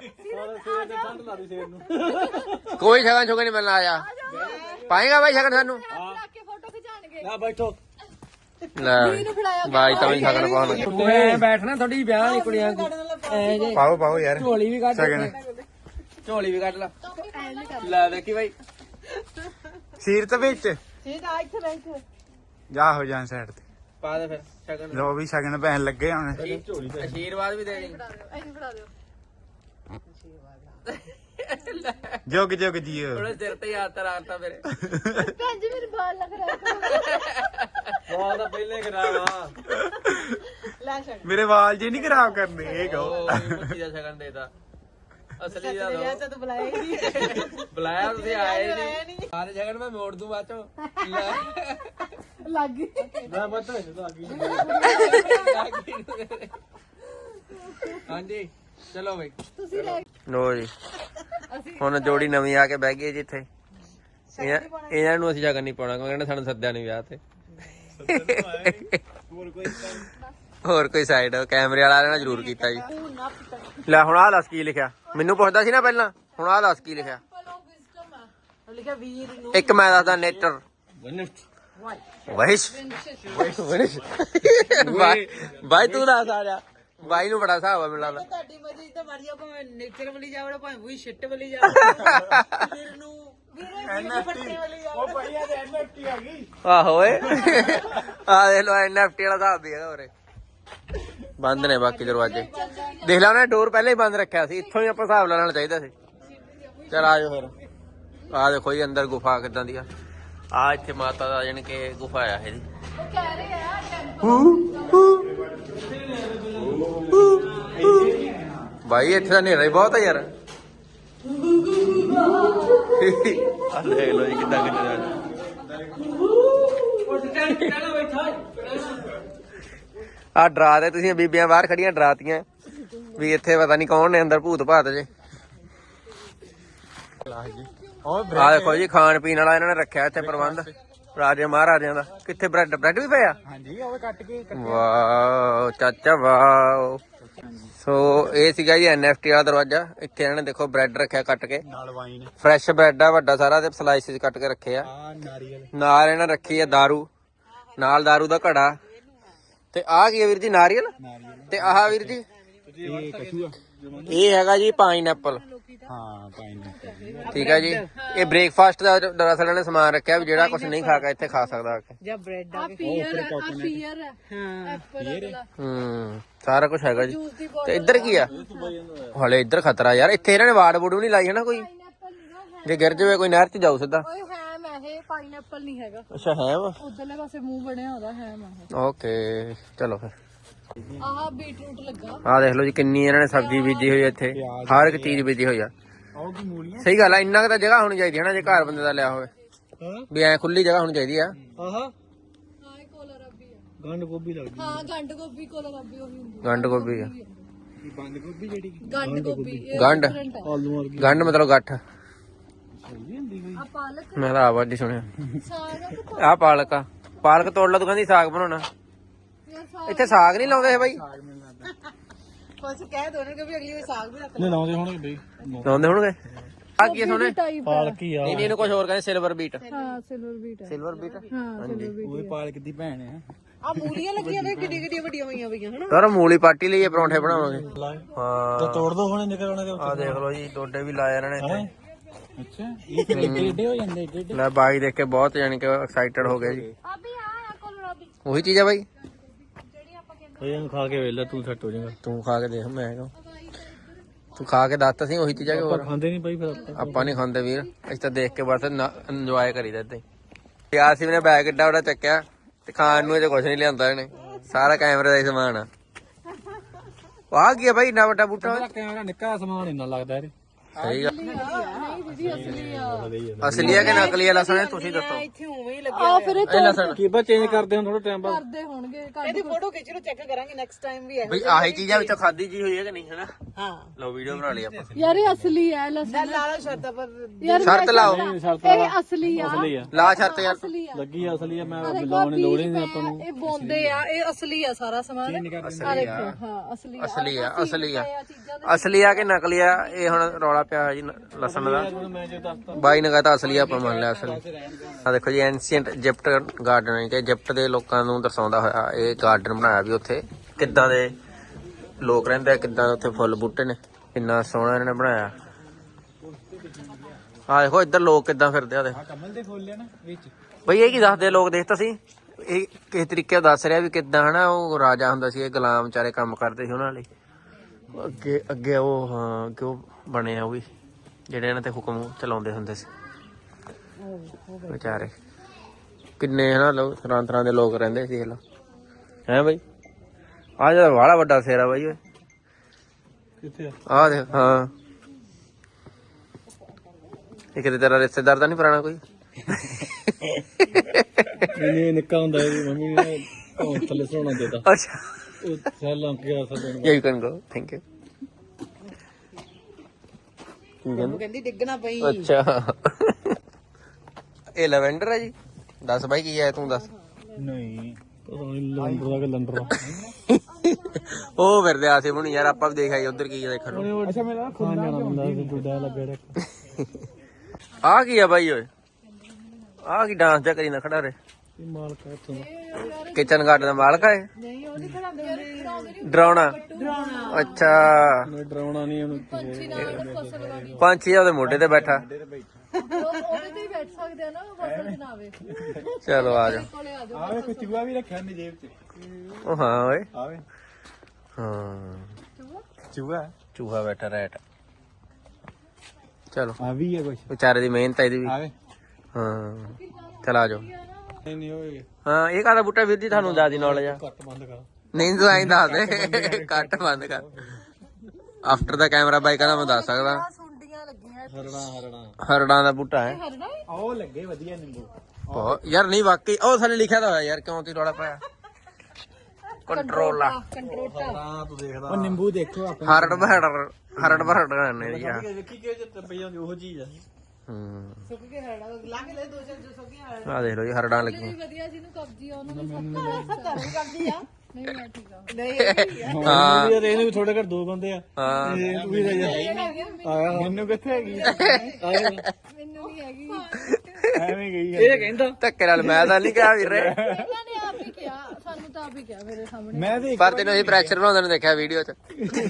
ਕੋਈ ਛਗਣ ਛੁਗਣ ਨਹੀਂ ਮਿਲਣਾ। ਆਇਆ ਪਾਏਗਾ ਬਾਈ ਛਗਣ ਸਾਨੂੰ। ਕੇ ਫੋਟੋ ਖਿਚਾਣਗੇ। ਨਾ ਬੈਠੋ। ਲੈ ਬਾਈ ਤਾਂ ਵੀ ਛਗਣ ਪਾਉਣ ਲੱਗੇ। ਬੈਠਣਾ ਥੋੜੀ ਵਿਆਹ ਵਾਲੀ ਕੁੜੀਆਂ ਪਾਓ ਪਾਓ ਯਾਰ ਝੋਲੀ ਵੀ ਕੱਢ ਛਗਣ। ਝੋਲੀ ਵੀ ਕੱਢ ਲੈ। ਲੈ ਦੇਖੀ ਬਾਈ ਸੀਰਤ ਵਿੱਚ ਸਿੱਧ ਆ ਇੱਥੇ ਬੈਠ। ਜਾ ਹੋ ਜਾਣ ਸਾਈਡ ਤੇ। ਪਾ ਦੇ ਫਿਰ ਛਗਣ। ਲੋ ਵੀ ਸ਼ਗਨ ਪੈਣ ਲੱਗੇ ਹੁਣ। ਆਸ਼ੀਰਵਾਦ ਵੀ ਦੇ ਦੇ। ਐਂ ਫੜਾ ਦਿਓ। ਜੋਗ ਜੋਗ ਜੀਓ। ਥੋੜੇ ਸਿਰ ਤੇ ਹੱਥ ਰਾਰਤਾ ਮੇਰੇ। ਭੈਣ ਜੀ ਮੇਰੇ ਬਾਲ ਲੱਗ ਰਿਹਾ। ਵਾਲ ਤਾਂ ਪਹਿਲੇ ਕਰਾਵਾ। ਲੈ ਛੱਡ। ਮੇਰੇ ਵਾਲ ਜੇ ਨਹੀਂ ਖਰਾਬ ਕਰਨੇ ਇਹ ਕਹੋ। ਉਹ ਮੁੱਠੀ ਦਾ ਛਗਣ ਦੇਤਾ। ਅਸਲੀ ਦਾ ਲਿਆ ਦੋ ਤਾਂ ਬੁਲਾਇਆ ਹੀ ਨਹੀਂ। ਬੁਲਾਇਆ ਤੁਸੀਂ ਆਏ ਬੁਲਾਇਆ ਨਹੀਂ। ਨਹੀਂ। ਸਾਰੇ ਛਗਣ ਮੈਂ ਮੋੜ ਦੂੰ ਬਾਅਦ ਚੋਂ। ਲੈ ਲੱਗ ਗਈ। ਮੈਂ ਪਤਾ ਲੱਗ ਗਈ। ਹਾਂਜੀ ਚਲੋ ਬਈ ਤੁਸੀਂ ਲੈ ਲੋ ਜੀ ਹੁਣ ਜੋੜੀ ਨਵੀਂ ਆ ਕੇ ਬਹਿ ਗਈ ਜਿੱਥੇ। ਇਹਨਾਂ ਨੂੰ ਅਸੀਂ ਜਗਨ ਨਹੀਂ ਪਾਉਣਾ ਕਿਉਂਕਿ ਸਾਨੂੰ ਸੱਦਿਆ ਨਹੀਂ ਵਿਆਹ ਤੇ। ਹੋਰ ਕੋਈ ਸਾਈਡ ਕੈਮਰੇ ਵਾਲਾ ਇਹਨਾਂ ਜ਼ਰੂਰ ਕੀਤਾ ਜੀ। ਲੈ ਹੁਣ ਆਹ ਦੱਸ ਕੀ ਲਿਖਿਆ। ਮੈਨੂੰ ਪੁੱਛਦਾ ਸੀ ਨਾ ਪਹਿਲਾਂ। ਹੁਣ ਆਹ ਦੱਸ ਕੀ ਲਿਖਿਆ। ਲਿਖਿਆ ਵੀਰ ਨੂੰ ਇੱਕ ਮੈਂ ਦੱਸਦਾ ਨੇਟਰ ਵਹਿਸ਼ ਬਾਈ ਤੂੰ ਦੱਸ ਆ ਜਾ। ਬਾਈ ਨੂੰ ਬੜਾ ਹਿਸਾਬ ਆ ਮੈਨੂੰ ਲੱਗਦਾ। ਤੁਹਾਡੀ ਮਰਜ਼ੀ ਤਾਂ ਮਰਜ਼ੀ ਭਾਵੇਂ ਨੇਚਰ ਵਾਲੀ ਜਾਵੜਾ ਭਾਵੇਂ ਵੀ ਸ਼ਿੱਟ ਵਾਲੀ ਜਾਵੜਾ ਵੀਰ ਨੂੰ ਵੀਰੇ ਫੱਟੇ ਵਾਲੀ ਜਾਵੜਾ ਉਹ ਭਾਈ ਇਹ NFT ਆ ਗਈ। ਆਹੋ ਓਏ ਆ ਦੇਖ ਲੋ NFT ਵਾਲਾ ਹਿਸਾਬ ਵੀ ਹੈਗਾ ਉਰੇ। ਬੰਦ ਨੇ ਬਾਕੀ ਦਰਵਾਜ਼ੇ। ਦੇਖ ਲਾ ਉਹਨੇ ਡੋਰ ਪਹਿਲਾਂ ਹੀ ਬੰਦ ਰੱਖਿਆ ਸੀ, ਇੱਥੋਂ ਹੀ ਆਪਾਂ ਹਿਸਾਬ ਲੈਣਾ ਚਾਹੀਦਾ ਸੀ। ਚਲ ਆਜੋ ਫਿਰ। ਆ ਦੇਖੋ ਜੀ ਅੰਦਰ ਗੁਫਾ ਕਿੱਦਾਂ ਦੀ ਆ ਇੱਥੇ ਮਾਤਾ ਦਾ ਜਾਣੀ ਕਿ ਗੁਫਾ ਆ ਇਹਦੀ। ਭਾਈ ਇੱਥੇ ਤਾਂ ਹਨੇਰਾ ਹੀ ਬਹੁਤ ਆ ਯਾਰ। ਆ ਦੇਖ ਲੋ ਜੀ ਕਿੱਦਾਂ ਆ ਡਰਾ ਦੇ ਤੁਸੀਂ ਬੀਬੀਆਂ ਬਾਹਰ ਖੜੀਆਂ ਡਰਾਤੀਆਂ ਵੀ ਇੱਥੇ ਪਤਾ ਨਹੀਂ ਕੌਣ ਨੇ ਅੰਦਰ ਭੂਤ ਭਾਤ ਜੇ। ਆ ਦੇਖੋ ਜੀ ਖਾਣ ਪੀਣ ਵਾਲਾ ਇਹਨਾਂ ਨੇ ਰੱਖਿਆ ਇੱਥੇ ਪ੍ਰਬੰਧ ਰਾਜੇ ਮਹਾਰਾਜਿਆਂ ਦਾ। ਕਿੱਥੇ ਬ੍ਰੈਡ ਵੀ ਪਿਆ? ਹਾਂਜੀ ਉਹ ਕੱਟ ਕੇ ਵਾਓ ਚਾਚਾ ਵਾਓ। ਸੋ ਇਹ ਸੀਗਾ ਜੀ NFT ਵਾਲਾ ਦਰਵਾਜ਼ਾ। ਇੱਥੇ ਇਹਨਾਂ ਨੇ ਦੇਖੋ ਬ੍ਰੈਡ ਰੱਖਿਆ ਕੱਟ ਕੇ, ਨਾਲ ਵਾਈਨ ਫਰੈਸ਼ ਬ੍ਰੈਡ ਆ ਵੱਡਾ ਸਾਰਾ ਤੇ ਸਲਾਈਸਿਸ ਕੱਟ ਕੇ ਰੱਖੇ ਆ। ਆ ਨਾਰੀਅਲ ਨਾਲ ਇਹਨਾਂ ਰੱਖੀ ਆ ਦਾਰੂ, ਨਾਲ ਦਾਰੂ ਦਾ ਘੜਾ। ਤੇ ਆਹ ਕੀ ਹੈ ਵੀਰ ਜੀ? ਨਾਰੀਅਲ। ਤੇ ਆਹ ਵੀਰ ਜੀ ਇਹ ਕਸ਼ੂਆ ਇਹ ਹੈਗਾ ਜੀ ਪਾਈਨਐਪਲ। ਹਾਂ ਪਾਈਨਐਪਲ ਠੀਕ ਹੈ ਜੀ। ਇਹ ਬ੍ਰੇਕਫਾਸਟ ਦਾ ਦਰਅਸਲ ਇਹਨਾਂ ਨੇ ਸਮਾਨ ਰੱਖਿਆ ਵੀ ਜਿਹੜਾ ਕੁਝ ਨਹੀਂ ਖਾ ਕੇ ਇੱਥੇ ਖਾ ਸਕਦਾ ਆ ਕੇ। ਜਾਂ ਬ੍ਰੈਡ ਆ ਪੀਅਰ ਹੈ ਹਾਂ ਐਪਲ ਵਾਲਾ ਸਾਰਾ ਕੁਝ ਹੈਗਾ ਜੀ। ਤੇ ਇੱਧਰ ਕੀ ਆ? ਹਲੇ ਇੱਧਰ ਖਤਰਾ ਯਾਰ। ਇੱਥੇ ਇਹਨਾਂ ਨੇ ਵਾੜ ਵੂੜ ਵੀ ਨਹੀਂ ਲਾਈ ਹੈ ਨਾ ਕੋਈ, ਜੇ ਗਿਰ ਜਾਵੇ ਕੋਈ ਨਹਿਰ 'ਚ ਜਾਊ ਸਿੱਧਾ। ਓਏ ਹੈਮ ਹੈ ਇਹ, ਪਾਈਨਐਪਲ ਨਹੀਂ ਹੈਗਾ। ਅੱਛਾ ਹੈ ਵਾ। ਉਧਰਲੇ ਪਾਸੇ ਮੂੰਹ ਬਣਿਆ ਉਹਦਾ ਹੈਮ ਹੈ। ਓਕੇ ਚਲੋ ਫਿਰ। ਆਹ ਬੀਟਰੂਟ ਲੱਗਾ। ਆਹ ਦੇਖ ਲਓ ਜੀ ਕਿੰਨੀ ਇਹਨਾਂ ਨੇ ਸਬਜ਼ੀ ਬੀਜੀ ਹੋਈ ਹੈ ਇੱਥੇ। ਹਰ ਇੱਕ ਚੀਜ਼ ਬੀਜੀ ਹੋਈ ਆ। ਆਹ ਕੀ ਮੂਲੀਆਂ ਸਹੀ ਗੱਲ ਆ। ਇੰਨਾ ਕੁ ਤਾਂ ਜਗ੍ਹਾ ਹੋਣੀ ਚਾਹੀਦੀ ਹੈ ਨਾ ਜੇ ਘਰ ਬੰਦੇ ਦਾ ਲਿਆ ਹੋਵੇ ਹਾਂ ਵੀ ਐ ਖੁੱਲੀ ਜਗ੍ਹਾ ਹੋਣੀ ਚਾਹੀਦੀ ਆ। ਆਹਾ ਹਾਂ ਇਹ ਕੋਲਰਾਬੀ ਆ। ਗੰਡ ਗੋਭੀ ਲੱਗਦੀ ਹਾਂ ਗੰਡ ਗੋਭੀ ਕੋਲਰਾਬੀ ਉਹੀ ਹੁੰਦੀ। ਗੰਢ ਗੋਭੀ ਆ। ਇਹ ਬੰਦ ਗੋਭੀ ਜਿਹੜੀ ਗੰਡ ਗੋਭੀ ਇਹ ਗੰਢ different ਆ। ਆਲੂ ਵਰਗੀ ਗੰਢ ਮਤਲਬ ਗੱਠ। ਸਹੀ ਹੁੰਦੀ ਕੋਈ ਆ ਪਾਲਕ ਮੈਂ ਤਾਂ ਆਵਾਜ਼ ਹੀ ਸੁਣਿਆ। ਸਾਗ ਆਹ ਪਾਲਕ ਆ। ਪਾਲਕ ਤੋੜ ਲਾ ਤੂੰ ਕਹਿੰਦੀ ਸਾਗ ਬਣਾਉਣਾ। ਯਾਰ ਸਾਗ ਇੱਥੇ ਸਾਗ ਨਹੀਂ ਲਾਉਂਦੇ ਇਹ ਬਾਈ? ਕੁਝ ਕਹਿ ਦੋ ਕਿ ਵੀ ਅਗਲੀ ਵਾਰ ਸਾਗ ਵੀ ਰੱਖ ਨਹੀਂ ਲਾਉਂਦੇ ਹੋਣਗੇ ਬਈ ਲਾਉਂਦੇ ਹੋਣਗੇ। ਆ ਕੀ ਸੋਨੇ? ਟਾਈਪ ਪਾਲਕੀ ਆ ਨਹੀਂ ਨਹੀਂ ਇਹਨੂੰ ਕੁਝ ਹੋਰ ਕਹਿੰਦੇ ਸਿਲਵਰ ਬੀਟ। ਹਾਂ ਸਿਲਵਰ ਬੀਟ ਹੈ। ਸਿਲਵਰ ਬੀਟ ਹਾਂ ਸਿਲਵਰ ਬੀਟ ਉਹ ਪਾਲਕ ਦੀ ਭੈਣ ਹੈ ਆ ਮੂਲੀਆਂ ਲੱਗੀਆਂ ਨੇ ਕਿੱਡੀ ਕਿੱਡੀ ਵੱਡੀਆਂ ਹੋਈਆਂ ਪਈਆਂ ਹਨਾ। ਯਾਰ ਮੂਲੀ ਪਾਟੀ ਲਈ ਇਹ ਪਰੌਂਠੇ ਬਣਾਵਾਂਗੇ। ਹਾਂ ਤੋੜ ਦੋ ਹੁਣੇ ਨਿਕਲ ਆਉਣੇ ਦੇ ਆ ਦੇਖ ਲਓ ਜੀ ਡੋਡੇ ਵੀ ਲਾਏ ਇਹਨਾਂ ਨੇ ਇੱਥੇ। ਅੱਛਾ ਇਹ ਫਿਰ ਏਡੇ ਹੋ ਜਾਂਦੇ ਏਡੇ ਲੈ ਬਾਈ ਦੇਖ ਕੇ ਬਹੁਤ ਜਾਨੀ ਕਿ ਐਕਸਾਈਟਡ ਹੋ ਗਏ ਜੀ। ਅਭੀ ਆ ਕੋਲਰਾਬੀ ਉਹੀ ਚੀਜ਼ ਆ ਬਾਈ। ਇਹਨੂੰ ਖਾ ਕੇ ਵੇਲਾ ਤੂੰ ਸੈੱਟ ਹੋ ਜਾਏਗਾ ਤੂੰ ਖਾ ਕੇ ਦੇਖ। ਮੈਂ ਕਿਹਾ ਤੂੰ ਖਾ ਕੇ ਦੱਸ ਤਾਂ ਸਹੀ ਉਹੀ ਚੀਜ਼ ਆ ਕਿ ਹੋਰ? ਖਾਂਦੇ ਨਹੀਂ ਬਾਈ ਫਿਰ ਆਪਾਂ ਨਹੀਂ ਖਾਂਦੇ ਵੀਰ, ਅਸੀਂ ਤਾਂ ਦੇਖ ਕੇ ਬਸ ਇੰਜੋਏ ਕਰੀਦਾ ਏਦਾਂ ਹੀ। ਆਸਿਫ ਨੇ ਬੈਗ ਏਡਾ ਵੱਡਾ ਚੱਕਿਆ ਤੇ ਖਾਣ ਨੂੰ ਅਜੇ ਕੁਝ ਨਹੀਂ ਲਿਆਂਦਾ ਇਹਨੇ। ਸਾਰਾ ਕੈਮਰੇ ਦਾ ਹੀ ਸਮਾਨ ਆ। ਆਹ ਕੀ ਆ ਬਾਈ ਇੰਨਾ ਵੱਡਾ ਬੂਟਾ? ਕੈਮਰਾ ਨਿੱਕਾ ਸਮਾਨ ਇੰਨਾ ਲੱਗਦਾ ਇਹ ਸਹੀ ਗੱਲ। ਨਹੀਂ ਦੀਦੀ ਅਸਲੀ ਆ। ਅਸਲੀ ਆ ਕਿ ਨਕਲੀ ਆ ਲਸਣ? ਤੁਸੀਂ ਦੱਸੋ। ਇੱਥੇ ਉਵੇਂ ਹੀ ਲੱਗਿਆ ਆ ਫਿਰ ਇਹ ਇਹ ਲਸਣ ਕੀ ਬਾ ਚੇਂਜ ਕਰਦੇ ਹਾਂ ਥੋੜਾ ਟਾਈਮ ਬਾਅਦ ਕਰਦੇ ਹੋਣਗੇ ਇਹਦੀ ਫੋਟੋ ਖਿੱਚ ਲਓ ਚੈੱਕ ਕਰਾਂਗੇ ਨੈਕਸਟ ਟਾਈਮ ਵੀ ਬਈ ਆਹੀ ਚੀਜ਼ਾਂ ਵਿੱਚੋਂ ਖਾਦੀ ਜੀ ਹੋਈ ਹੈ ਕਿ ਨਹੀਂ ਹਨਾ? ਹਾਂ ਲਓ ਵੀਡੀਓ ਬਣਾ ਲਈ ਆਪਾਂ। ਯਾਰ ਇਹ ਅਸਲੀ ਹੈ ਲਸਣ। ਲਾਲਾ ਸ਼ਰਤਾਂ ਪਰ ਯਾਰ ਸ਼ਰਤ ਲਾਓ। ਇਹ ਅਸਲੀ ਆ। ਆ ਲਾ ਸ਼ਰਤ ਯਾਰ। ਅਸਲੀ ਆ। ਲੱਗੀ ਆ ਅਸਲੀ ਆ ਮੈਂ ਦੇਖੋ ਲਾਉਣ ਦੀ ਲੋੜ ਹੀ ਬੀਜ ਨਹੀਂ ਪਏ ਆਪਾਂ ਨੂੰ ਆ, ਇਹ ਬੋਂਦੇ ਆ। ਇਹ ਅਸਲੀ ਆ ਸਾਰਾ ਸਮਾਨ। ਆ ਦੇਖੋ ਹਾਂ ਅਸਲੀ ਆ। ਅਸਲੀ ਆ ਅਸਲੀ ਆ। ਇਹ ਚੀਜ਼ਾਂ ਅਸਲੀ ਆ ਕਿ ਨਕਲੀ ਆ ਇਹ ਹੁਣ ਰੌਲਾ ਪਿਆ ਹੋਇਆ ਜੀ ਲਸਣ ਦਾ। ਮੈਂ ਜੇ ਦੱਸਤਾ ਬਾਈ ਨੇ ਕਹਤਾ ਅਸਲੀ ਆ, ਆਪਾਂ ਮੰਨ ਲਿਆ ਅਸਲੀ। ਆ ਦੇਖੋ ਜੀ ਐਂਸ਼ੀਅੰਟ ਇਜਿਪਟ ਗਾਰਡਨ ਹੈ ਕਿ ਇਜਿਪਟ ਦੇ ਲੋਕਾਂ ਨੂੰ ਦਰਸਾਉਂਦਾ ਹੋਇਆ ਇਹ ਗਾਰਡਨ ਬਣਾਇਆ ਵੀ ਉੱਥੇ ਕਿੱਦਾਂ ਦੇ ਲੋਕ ਰਹਿੰਦੇ ਆ, ਕਿੱਦਾਂ ਉੱਥੇ ਫੁੱਲ ਬੂਟੇ ਨੇ, ਕਿੰਨਾ ਸੋਹਣਾ ਇਹਨਾਂ ਨੇ ਬਣਾਇਆ। ਆ ਦੇਖੋ ਇੱਧਰ ਲੋਕ ਕਿੱਦਾਂ ਫਿਰਦੇ ਆ। ਦੇਖ ਕਮਲ ਦੇ ਫੁੱਲ ਆ ਨਾ ਵਿੱਚ ਬਈ ਇਹ ਕੀ ਦੱਸਦੇ ਲੋਕ? ਦੇਖ ਤਾਂ ਸੀ ਇਹ ਕਿਸ ਤਰੀਕੇ ਦੱਸ ਰਿਹਾ ਵੀ ਕਿੱਦਾਂ ਹਨਾ ਉਹ ਰਾਜਾ ਹੁੰਦਾ ਸੀ, ਇਹ ਗੁਲਾਮ ਵਿਚਾਰੇ ਕੰਮ ਕਰਦੇ ਸੀ ਉਹਨਾਂ ਲਈ। ਅੱਗੇ ਅੱਗੇ ਉਹ ਹਾਂ ਕਿ ਉਹ ਬਣੇ ਆ ਉਹ ਵੀ ਜਿਹੜੇ ਇਹਨਾਂ ਤੇ ਹੁਕਮ ਚਲਾਉਂਦੇ ਹੁੰਦੇ ਸੀ ਵਿਚਾਰੇ। ਕਿੰਨੇ ਹਨਾ ਲੋਕ ਤਰ੍ਹਾਂ ਤਰ੍ਹਾਂ ਦੇ ਲੋਕ ਰਹਿੰਦੇ ਸੀ। ਇਹ ਲੋ ਹੈ ਬਈ। ਆ ਜਿਹੜਾ ਵਾਲਾ ਵੱਡਾ ਸਿਰ ਆ ਬਾਈ ਓਏ। ਕਿੱਥੇ ਆ ਆ ਦੇਖ। ਹਾਂ ਇਹ ਕਿਤੇ ਤੇਰਾ ਰਿਸ਼ਤੇਦਾਰ ਤਾਂ ਨਹੀਂ ਪੁਰਾਣਾ ਕੋਈ? ਨਹੀਂ ਨਿੱਕਾ ਹੁੰਦਾ ਇਹਦੀ ਮੰਮੀ ਨੇ ਉਹ ਥੱਲੇ ਸੌਣਾ ਦੇਤਾ ਅੱਛਾ ਉਹ ਸੈਲ ਲੰਕ ਗਿਆ ਸਦਨ you can go thank you. ਕਹਿੰਦੀ ਡਿੱਗਣਾ ਪਈ। ਅੱਛਾ ਇਹ ਲਵੈਂਡਰ ਹੈ ਜੀ। ਦੱਸ ਬਾਈ ਕੀ ਹੈ ਤੂੰ ਦੱਸ। ਨਹੀਂ ਪਤਾ ਨਹੀਂ ਲੰਡਰ ਦਾ ਕਿ ਲੰਡਰ ਉਹ ਫਿਰਦੇ ਆਸੇ ਬੁਣੀ ਯਾਰ। ਆਪਾਂ ਵੀ ਦੇਖ ਆਈ ਉਧਰ ਕੀ ਦੇਖਣ ਨੂੰ। ਅੱਛਾ ਮੇਰਾ ਖਾਣ ਜਾਣਾ ਹੁੰਦਾ ਸੀ ਜੁੜਾ ਲੱਗਾ ਆ ਕੀ ਆ ਬਾਈ ਓਏ? ਆ ਕੀ ਡਾਂਸ ਜਾ ਕਰੀ ਨਾ ਖੜਾ ਰੇ? ਮਾਲਕ ਹੈ ਇੱਥੋਂ ਦਾ। ਕਿਚਨ ਗਾਰਡਨ ਦਾ ਮਾਲਕ ਹੈ ਨਹੀਂ ਉਹਦੀ ਖੜਾਉਂਦੇ ਡਰਾਉਣਾ ਅੱਛਾ ਮੈਂ ਡਰਾਉਣਾ ਨਹੀਂ ਉਹਨੂੰ ਪੰਛੀ ਨਾਲ ਫਸਲ ਵਾਲੀ ਪੰਛੀ ਉਹਦੇ ਮੋਢੇ ਤੇ ਬੈਠਾ ਉਹਦੇ ਤੇ ਹੀ ਬੈਠ ਸਕਦੇ ਆ ਨਾ ਫਸਲ ਚ ਨਾ ਆਵੇ ਚਲੋ ਆ ਜਾ ਕੋਲੇ ਆ ਜਾਓ ਆਵੇ ਕੋਈ ਚੂਹਾ ਵੀ ਰੱਖਿਆ ਨੇ ਜੇਬ 'ਚ ਉਹ ਹਾਂ ਓਏ ਆਵੇ ਹਾਂ ਚੂਹਾ ਚੂਹਾ ਬੈਠਾ ਰੈਟ ਚਲੋ ਆ ਵੀ ਹੈ ਕੁਛ ਵਿਚਾਰੇ ਦੀ ਮਿਹਨਤ ਹੈ ਇਹਦੀ ਵੀ ਆਵੇ ਹਾਂ ਚਲ ਆ ਜਾਓ ਨਹੀਂ ਨਹੀਂ ਹੋਏ ਹਾਂ ਇਹ ਕਾਹਦਾ ਬੂਟਾ ਵੀਰ ਜੀ ਤੁਹਾਨੂੰ ਜ਼ਿਆਦਾ ਨੌਲੇਜ ਆ ਕੱਟ ਬੰਦ ਕਰ ਨਹੀਂ ਤੂੰ ਐਂ ਦੱਸ ਦੇ ਕੱਟ ਬੰਦ ਕਰ ਆਫਟਰ ਦਾ ਕੈਮਰਾ ਬਾਈ ਕਹਿੰਦਾ ਮੈਂ ਦੱਸ ਸਕਦਾ ਸੁੰਡੀਆਂ ਲੱਗੀਆਂ ਹਰੜਾ ਹਰੜਾਂ ਦਾ ਬੂਟਾ ਹੈ ਹਰਨਾ ਉਹ ਲੱਗੇ ਵਧੀਆ ਨਿੰਬੂ ਬਹੁਤ ਯਾਰ ਨਹੀਂ ਵਾਕਈ ਉਹ ਥੱਲੇ ਲਿਖਿਆ ਤਾਂ ਹੋਇਆ ਯਾਰ ਕਿਉਂ ਤੀ ਰੌਲਾ ਪਾਇਆ ਕੰਟਰੋਲਾ ਕੰਟਰੋਟਾ ਹਾਂ ਤੂੰ ਦੇਖਦਾ ਉਹ ਨਿੰਬੂ ਦੇਖੋ ਆਪਾਂ ਹਰੜ ਬਹੜ ਕਰਨੇ ਜੀ ਆ ਵੇਖੀ ਕਿ ਜੇ ਪਈ ਜਾਂਦੀ ਉਹ ਚੀਜ਼ ਆ ਹੂੰ ਸੁੱਕ ਕੇ ਹੜਾ ਲਾ ਕੇ ਲੈ ਦੋ ਚਾਰ ਜੋ ਸੁੱਕ ਕੇ ਆ ਦੇਖ ਲਓ ਜੀ ਹਰੜਾਂ ਲੱਗੀਆਂ ਵਧੀਆ ਜਿਹਨੂੰ ਕਬਜੀ ਆ ਉਹਨੂੰ ਵੀ ਸਭ ਘਰ ਵੀ ਕਰਦੀ ਆ ਨਹੀਂ ਮੈਂ ਠੀਕ ਆ ਨਹੀਂ ਹਾਂ ਯਾਰ ਇਹਨੂੰ ਵੀ ਥੋੜੇ ਘਰ ਦੋ ਬੰਦੇ ਆ ਹਾਂ ਇਹ ਤੂੰ ਵੀ ਰਹਿ ਜਾ ਆਇਆ ਮੈਨੂੰ ਕਿੱਥੇ ਹੈਗੀ ਆਇਆ ਮੈਨੂੰ ਨਹੀਂ ਹੈਗੀ ਐਵੇਂ ਗਈ ਇਹ ਕਹਿੰਦਾ ਧੱਕੇ ਨਾਲ ਮੈਂ ਤਾਂ ਨਹੀਂ ਕਿਹਾ ਵੀਰੇ ਇਹਨਾਂ ਨੇ ਆਪ ਹੀ ਕਿਹਾ ਸਾਨੂੰ ਤਾਂ ਆਪ ਹੀ ਕਿਹਾ ਮੇਰੇ ਸਾਹਮਣੇ ਮੈਂ ਤੇ ਪਰ ਤੈਨੂੰ ਇਹ ਪ੍ਰੈਸ਼ਰ ਬਣਾਉਂਦੇ ਨੂੰ ਦੇਖਿਆ ਵੀਡੀਓ 'ਚ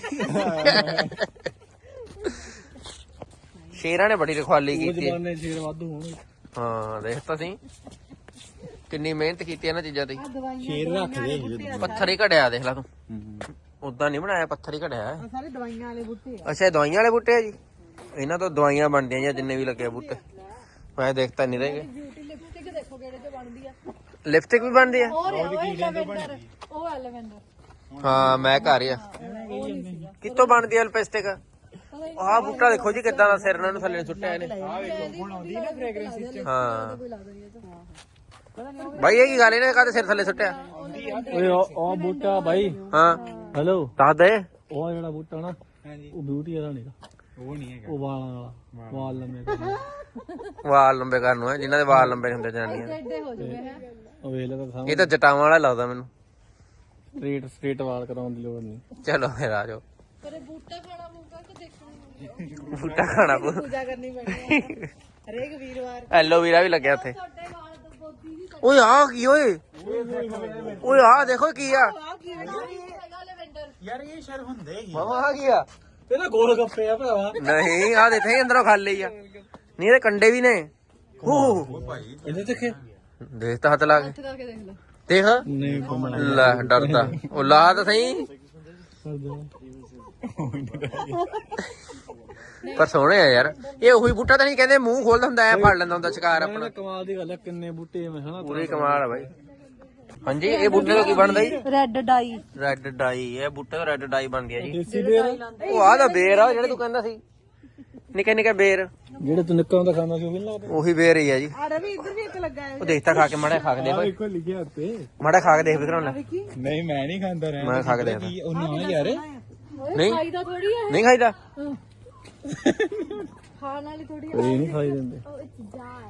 ਸ਼ੇਰਾਂ ਨੇ ਬੜੀ ਰਖਵਾਲੀ ਉਹ ਕੀਤੀ ਜਮਾਨੇ ਸ਼ੇਰ ਵਾਧੂ ਹੋਣ ਹਾਂ ਦੇਖ ਤਾਂ ਸੀ ਕਿੰਨੀ ਮਿਹਨਤ ਕੀਤੀ ਇਹਨਾਂ ਚੀਜ਼ਾਂ ਦੀ ਸ਼ੇਰ ਰੱਖਦੇ ਪੱਥਰ ਹੀ ਘੜਿਆ ਦੇਖ ਲੈ ਤੂੰ ਉਦਾਂ ਨਹੀਂ ਬਣਾਇਆ ਪੱਥਰ ਹੀ ਘੜਿਆ ਹੈ। ਸਾਰੇ ਦਵਾਈਆਂ ਵਾਲੇ ਬੂਟੇ ਅੱਛਾ ਇਹ ਦਵਾਈਆਂ ਵਾਲੇ ਬੂਟੇ ਆ ਜੀ ਇਹਨਾਂ ਤੋਂ ਦਵਾਈਆਂ ਬਣਦੀਆਂ ਜਾਂ ਜਿੰਨੇ ਵੀ ਲੱਗੇ ਆ ਬੂਟੇ ਮੈਂ ਦੇਖਤਾ ਨਹੀਂ ਰਹੇਗੇ ਬਿਊਟੀ ਲਿਪਸਟਿਕ ਦੇਖੋ ਕਿਹੜੇ ਤੇ ਬਣਦੀ ਆ ਲਿਪਸਟਿਕ ਵੀ ਬਣਦੀ ਆ ਉਹ ਐਲਵੈਂਡਰ ਉਹ ਐਲਵੈਂਡਰ ਹਾਂ ਮੈਂ ਘਰ ਹੀ ਆ ਕਿੱਥੋਂ ਬਣਦੀ ਆ ਲਿਪਸਟਿਕ ਆਹ ਬੂਟਾ ਦੇਖੋ ਜੀ ਕਿੱਦਾਂ ਦਾ ਸਿਰ ਇਹਨਾਂ ਨੂੰ ਥੱਲੇ ਨੂੰ ਸੁੱਟਿਆ ਇਹਨੇ ਹਾਂ ਬਾਈ ਇਹ ਕੀ ਗੱਲ ਇਹਨੇ ਕਾਹਦੇ ਸਿਰ ਥੱਲੇ ਸੁੱਟਿਆ ਓਏ ਉਹ ਬੂਟਾ ਬਾਈ ਹਾਂ ਹੈਲੋ ਦੱਸ ਦੇ ਉਹ ਜਿਹੜਾ ਬੂਟਾ ਨਾ ਉਹ ਬਿਊਟੀ ਵਾਲਾ ਨਹੀਂਗਾ ਉਹ ਨਹੀਂ ਹੈਗਾ ਉਹ ਵਾਲਾਂ ਵਾਲਾ ਵਾਲ ਲੰਮੇ ਕਰਨੇ ਵਾਲ ਲੰਬੇ ਕਰਨ ਨੂੰ ਹੈ ਜਿਨ੍ਹਾਂ ਦੇ ਵਾਲ ਲੰਬੇ ਹੁੰਦੇ ਜਨਾਨੀਆਂ ਦੇ ਐਡੇ ਹੋ ਜੂਗੇ ਹੈ ਉਹ ਵੇਖ ਲੈ ਤਾਂ ਸਾਹਮਣੇ ਇਹ ਤਾਂ ਜਟਾਵਾਂ ਵਾਲਾ ਲੱਗਦਾ ਮੈਨੂੰ ਸਟ੍ਰੇਟ ਵਾਲ ਕਰਾਉਣ ਦੀ ਲੋੜ ਨਹੀਂ ਚਲੋ ਫਿਰ ਆ ਜਾਓ ਪਰ ਇਹ ਬੂਟਾ ਖਾਣਾ ਪਊਗਾ ਕਿ ਦੇਖਣਾ ਬੂਟਾ ਖਾਣਾ ਪਊ ਪੂਜਾ ਕਰਨੀ ਪੈਣੀ ਆ ਹਰੇਕ ਵੀਰਵਾਰ ਐਲੋਵੀਰਾ ਵੀ ਲੱਗਿਆ ਉੱਥੇ ਤੁਹਾਡੇ ਵਾਲ ਤੋਂ ਬੋਦੀ ਵੀ ਓਏ ਆ ਕੀ ਓਏ ਓਏ ਆ ਦੇਖੋ ਕੀ ਆ ਹੈਗਾ ਲੈਵੈਂਡਰ ਯਾਰ ਇਹ ਸ਼ਰ ਹੁੰਦੇ ਹੀ ਮਾਮਾ ਆ ਕੀ ਆ ਇਹਦਾ ਗੋਲ ਗੱਪੇ ਆ ਭਰਾਵਾ ਨਹੀਂ ਆ ਦੇਖੇ ਅੰਦਰੋਂ ਖਾਲੀ ਆ ਨਹੀਂ ਇਹਦੇ ਕੰਡੇ ਵੀ ਨੇ ਹੋ ਇਹਦੇ ਦੇਖੇ ਦੇਖ ਤਾਂ ਹੱਥ ਲਾ ਕੇ ਹੱਥ ਕਰਕੇ ਦੇਖ ਲਓ ਦੇਖ ਨਹੀਂ ਲੈ ਡਰਦਾ ਉਹ ਲਾ ਤਾਂ ਸਹੀ ਪਰ ਸੋਹਣੇ ਆ ਯਾਰ ਇਹ ਉਹੀ ਬੂਟਾ ਤਾਂ ਨਹੀਂ ਕਹਿੰਦੇ ਮੂੰਹ ਖੋਲਦਾ ਹੁੰਦਾ ਐ ਫੜ ਲੈਂਦਾ ਹੁੰਦਾ ਸ਼ਿਕਾਰ ਆਪਣਾ ਕਮਾਲ ਦੀ ਗੱਲ ਹੈ ਕਿੰਨੇ ਬੂਟੇ ਮੈਂ ਹਨਾ ਪੂਰੀ ਕਮਾਲ ਆ ਬਾਈ ਹਾਂਜੀ ਇਹ ਬੂਟੇ ਤੋਂ ਕੀ ਬਣਦਾ ਜੀ ਰੈੱਡ ਡਾਈ ਰੈੱਡ ਡਾਈ ਇਹ ਬੂਟੇ ਤੋਂ ਰੈੱਡ ਡਾਈ ਬਣਦੀ ਆ ਜੀ ਦੇਸੀ ਬੇਰ ਉਹ ਆਹ ਦਾ ਬੇਰ ਆ ਜਿਹੜਾ ਤੂੰ ਕਹਿੰਦਾ ਸੀ ਨਿੱਕੇ ਨਿੱਕੇ ਬੇਰ ਜਿਹੜੇ ਤੂੰ ਨਿੱਕਾ ਹੁੰਦਾ ਖਾਂਦਾ ਸੀ ਉਹ ਵੀ ਨੀ ਲੱਗਦਾ ਉਹੀ ਬੇਰ ਹੀ ਆ ਜੀ ਆ ਰਵੀ ਇੱਧਰ ਵੀ ਇੱਕ ਲੱਗਾ ਹੈ ਉਹ ਦੇਖਤਾ ਖਾ ਕੇ ਮਾੜਾ ਖਾ ਕੇ ਦੇਖ ਓਏ ਦੇਖੋ ਲਿਖਿਆ ਉੱਤੇ ਮਾੜਾ ਖਾ ਕੇ ਦੇਖ ਵਿਕਰਮ ਲੈ ਨਹੀਂ ਮੈਂ ਨਹੀਂ ਖਾਂਦਾ ਰਹਿ ਮੈਂ ਖਾ ਕੇ ਦੇਖਦਾ ਉਹ ਨਾ ਯਾਰ ਨਹੀਂ ਖਾਈਦਾ ਥੋੜੀ ਹੈ ਨਹੀਂ ਖਾਈਦਾ ਖਾਣ ਵਾਲੀ ਥੋੜੀ ਇਹ ਨਹੀਂ ਖਾਈ ਦਿੰਦੇ ਉਹ ਇਟਸ ਡਾਈ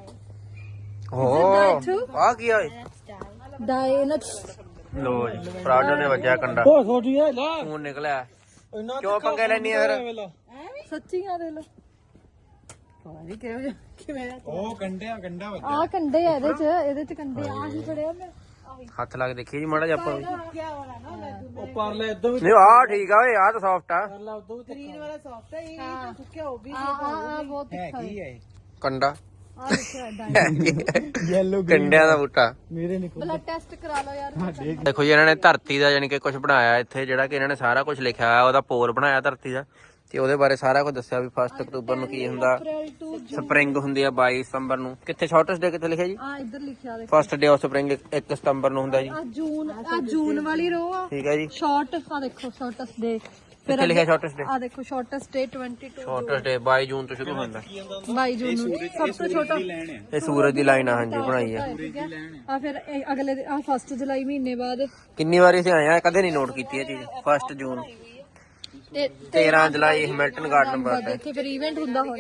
ਓ ਆ ਕੀ ਓਏ ਡਾਈ ਨਾ ਲੋ ਜੀ ਫਰਾਡੋ ਨੇ ਵੱਜਿਆ ਕੰਡਾ ਉਹ ਛੋਟੀ ਹੈ ਲਾ ਖੂਨ ਨਿਕਲਿਆ ਕਿਉਂ ਪੰਗੇ ਲੈਣੀ ਆ ਫਿਰ ਸੱਚੀਆਂ ਦੇ ਲੋ ਪਤਾ ਨਹੀਂ ਕਿਵੇਂ ਉਹ ਗੰਡਾ ਆ ਕੰਡੇ ਆ ਇਹਦੇ ਚ ਕੰਡੇ ਆ ਹੀ ਫੜਿਆ ਮੈਂ ਹੱਥ ਲਾ ਕੇ ਦੇਖੀ ਜੀ ਮਾੜਾ ਜਿਹਾ ਆਪਾਂ ਵੀ। ਕੀ ਵਾਲਾ ਨਾ ਉਹ ਪਰ ਲੈ ਇਦੋਂ ਵੀ ਨਹੀਂ ਆ ਠੀਕ ਆ ਓਏ ਆ ਤਾਂ ਸੌਫਟ ਆ ਕਰ ਲਾ ਉਦੋਂ ਵੀ ਗ੍ਰੀਨ ਵਾਲਾ ਸੌਫਟ ਹੈ ਇਹ ਤਾਂ ਸੁੱਕਿਆ ਉਹ ਵੀ ਆ ਬਹੁਤ ਤਿੱਖਾ ਹੈ ਹੈ ਕੰਡਾ ਆ ਦੇਖੋ ਡਾਈ ਯੈਲੋ ਕੰਡਿਆਂ ਦਾ ਬੂਟਾ ਮੇਰੇ ਨਿਕਲ ਬਲੱਡ ਟੈਸਟ ਕਰਾ ਲਓ ਯਾਰ ਦੇਖੋ ਜੀ ਇਹਨਾਂ ਨੇ ਧਰਤੀ ਦਾ ਯਾਨੀ ਕਿ ਕੁਝ ਬਣਾਇਆ ਇੱਥੇ ਜਿਹੜਾ ਕਿ ਇਹਨਾਂ ਨੇ ਸਾਰਾ ਕੁਝ ਲਿਖਿਆ ਹੋਇਆ ਉਹਦਾ ਪੋਲ ਬਣਾਇਆ ਧਰਤੀ ਦਾ ਤੇ ਉਹਦੇ ਬਾਰੇ ਸਾਰਾ ਕੁਝ ਦੱਸਿਆ ਵੀ 1 ਅਕਤੂਬਰ ਨੂੰ ਕੀ ਹੁੰਦਾ ਅਪ੍ਰੈਲ ਟੂ ਸਪਰਿੰਗ ਹੁੰਦੀ ਆ 22 ਸਤੰਬਰ ਨੂੰ ਕਿੱਥੇ ਸ਼ਾਰਟੈਸਟ ਡੇ ਕਿੱਥੇ ਲਿਖਿਆ ਜੀ ਆ ਇੱਧਰ ਲਿਖਿਆ ਦੇਖ ਫਸਟ ਡੇ ਆਫ ਸਪਰਿੰਗ 1 ਸਤੰਬਰ ਨੂੰ ਹੁੰਦਾ ਜੀ ਆ ਜੂਨ ਵਾਲੀ ਰੋ ਆ ਠੀਕ ਹੈ ਜੀ ਸ਼ਾਰਟ ਆ ਦੇਖੋ ਸ਼ਾਰਟੈਸਟ ਡੇ ਕਿੱਥੇ ਲਿਖਿਆ ਸ਼ਾਰਟੈਸਟ ਡੇ ਆ ਦੇਖੋ ਸ਼ਾਰਟੈਸਟ ਡੇ 22 ਸ਼ਾਰਟੈਸਟ ਡੇ 22 ਜੂਨ ਤੋਂ ਸ਼ੁਰੂ ਹੁੰਦਾ 22 ਜੂਨ ਨੂੰ ਸਭ ਤੋਂ ਛੋਟਾ ਇਹ ਸੂਰਜ ਦੀ ਲਾਈਨ ਆ ਹਾਂਜੀ ਬਣਾਈ ਆ ਆ ਫਿਰ ਅਗਲੇ ਆ 1 ਜੁਲਾਈ ਮਹੀਨੇ ਬਾਅਦ ਕਿੰਨੀ ਵਾਰੀ ਅਸੀਂ ਆਏ ਆ ਕਦੇ ਨਹੀਂ ਨੋਟ ਕੀਤੀ ਇਹ ਚੀਜ਼ 1 ਜੂਨ ਤੇ 13 ਜੁਲਾਈ ਹੈਮਿਲਟਨ ਗਾਰਡਨ ਬਾਅਦ ਇੱਥੇ ਫਿਰ ਇਵੈਂਟ ਹੁੰਦਾ ਹੋਣਾ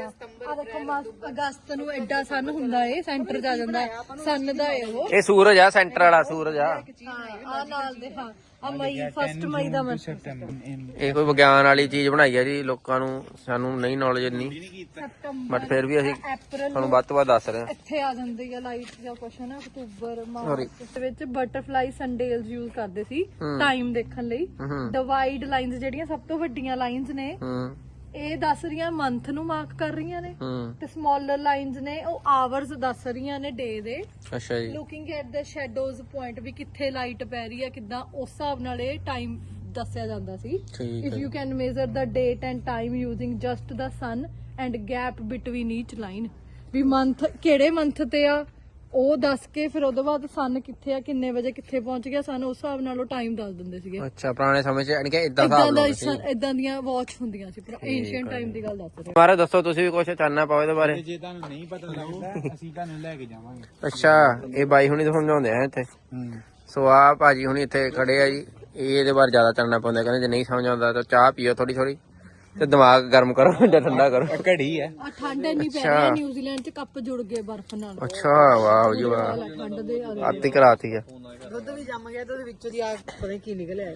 ਆ ਦੇਖੋ ਅਗਸਤ ਨੂੰ ਐਡਾ ਸਨ ਹੁੰਦਾ ਏ, ਸੈਂਟਰ 'ਚ ਆ ਜਾਂਦਾ ਸਨ ਦਾ ਏ ਉਹ। ਇਹ ਸੂਰਜ ਆ, ਸੈਂਟਰ ਵਾਲਾ ਸੂਰਜ ਆ। ਆ ਨਾਲ ਦੇ ਹਾਂ ਆ ਮਈ 1 ਮਈ ਦਾ ਮੰਥ। ਇਹ ਕੋਈ ਵਿਗਿਆਨ ਵਾਲੀ ਚੀਜ਼ ਬਣਾਈ ਆ ਜੀ, ਲੋਕਾਂ ਨੂੰ ਸਾਨੂੰ ਨਹੀਂ ਨੌਲੇਜ ਇੰਨੀ, ਬਟ ਫਿਰ ਵੀ ਅਸੀਂ ਅਪ੍ਰੈਲ ਤੁਹਾਨੂੰ ਵੱਧ ਤੋਂ ਵੱਧ ਦੱਸ ਰਹੇ ਹਾਂ। ਇੱਥੇ ਆ ਜਾਂਦੀ ਆ ਲਾਈਟ ਜਾਂ ਕੁਛ ਨਾ, ਅਕਤੂਬਰ ਮਾਰਚ ਦੇ ਵਿੱਚ ਬਟਰਫਲਾਈ ਸੰਡੇਲਸ ਯੂਜ਼ ਕਰਦੇ ਸੀ ਟਾਈਮ ਦੇਖਣ ਲਈ। ਡਿਵਾਈਡ ਲਾਈਨਸ ਜਿਹੜੀਆਂ ਸਭ ਤੋਂ ਵੱਡੀਆਂ ਲਾਈਨਸ ਨੇ ਇਹ ਦੱਸ ਰਹੀਆਂ ਮੰਥ ਨੂੰ ਮਾਰਕ ਕਰ ਰਹੀਆਂ ਨੇ, ਤੇ ਸਮਾਲਰ ਲਾਈਨਸ ਨੇ ਉਹ ਆਵਰਸ ਦੱਸ ਰਹੀਆਂ ਨੇ ਡੇ ਦੇ। ਅੱਛਾ ਜੀ। Looking at the shadows point ਵੀ ਕਿੱਥੇ ਲਾਈਟ ਪੈ ਰਹੀ ਹੈ ਕਿੱਦਾਂ, ਉਸ ਹਿਸਾਬ ਨਾਲ ਇਹ ਟਾਈਮ ਦੱਸਿਆ ਜਾਂਦਾ ਸੀ। If you can measure the date and time using just the sun and gap between each line, ਵੀ ਮੰਥ ਕਿਹੜੇ ਮੰਥ ਤੇ ਆ ਉਹ ਦੱਸ ਕੇ ਫਿਰ ਉਹਦੇ ਬਾਅਦ ਸਨ ਕਿੱਥੇ ਆ, ਕਿੰਨੇ ਵਜੇ ਕਿੱਥੇ ਪਹੁੰਚ ਗਿਆ ਸਨ, ਉਸ ਹਿਸਾਬ ਨਾਲ ਉਹ ਟਾਈਮ ਦੱਸ ਦਿੰਦੇ ਸੀਗੇ। ਅੱਛਾ, ਪੁਰਾਣੇ ਸਮੇਂ 'ਚ ਯਾਨੀ ਕਿ ਇਦਾਂ ਹਿਸਾਬ ਸੀ, ਇਦਾਂ ਦੀਆਂ ਵਾਚ ਹੁੰਦੀਆਂ ਸੀ, ਪਰ ਐਂਸ਼ੀਅੰਟ ਟਾਈਮ ਦੀ ਗੱਲ ਦੱਸ ਰਹੇ। ਮਾਰੇ ਦੱਸੋ ਤੁਸੀਂ ਵੀ ਕੁਝ ਚਾਨਣਾ ਪਾਓ ਇਹਦੇ ਬਾਰੇ। ਜੇ ਤੁਹਾਨੂੰ ਨਹੀਂ ਪਤਾ ਲੱਗਦਾ ਅਸੀਂ ਤੁਹਾਨੂੰ ਲੈ ਕੇ ਜਾਵਾਂਗੇ। ਅੱਛਾ, ਇਹ ਬਾਈ ਹੁਣੀ ਤਾਂ ਸਮਝਾਉਂਦੇ ਆ ਇੱਥੇ। ਸੋ ਆ ਭਾਜੀ ਹੁਣੀ ਇੱਥੇ ਖੜੇ ਆ ਜੀ, ਇਹ ਇਹਦੇ ਬਾਰੇ ਜ਼ਿਆਦਾ ਚਾਨਣਾ ਪਾਉਂਦੇ, ਕਹਿੰਦੇ ਜੇ ਨਹੀਂ ਸਮਝ ਆਉਂਦਾ ਤਾਂ ਚਾਹ ਪੀਓ ਥੋੜੀ ਥੋੜੀ ਤੇ ਦਿਮਾਗ ਗਰਮ ਕਰੋ ਜਾਂ ਠੰਡਾ ਕਰੋ। ਘੜੀ ਹੈ ਆ ਠੰਡ ਇੰਨੀ ਪੈ ਰਹੀ ਹੈ ਨਿਊਜ਼ੀਲੈਂਡ 'ਚ, ਕੱਪ ਜੁੜ ਗਏ ਬਰਫ਼ ਨਾਲ। ਅੱਛਾ, ਵਾਹ ਜੀ ਵਾਹ, ਠੰਡ ਦੇ ਆਤੀ ਕਰਾਤੀ ਆ। ਦੁੱਧ ਵੀ ਜੰਮ ਗਿਆ ਤੇ ਉਹਦੇ ਵਿੱਚੋਂ ਦੀ ਆ ਪਤਾ ਨੀ ਕੀ ਨਿਕਲਿਆ।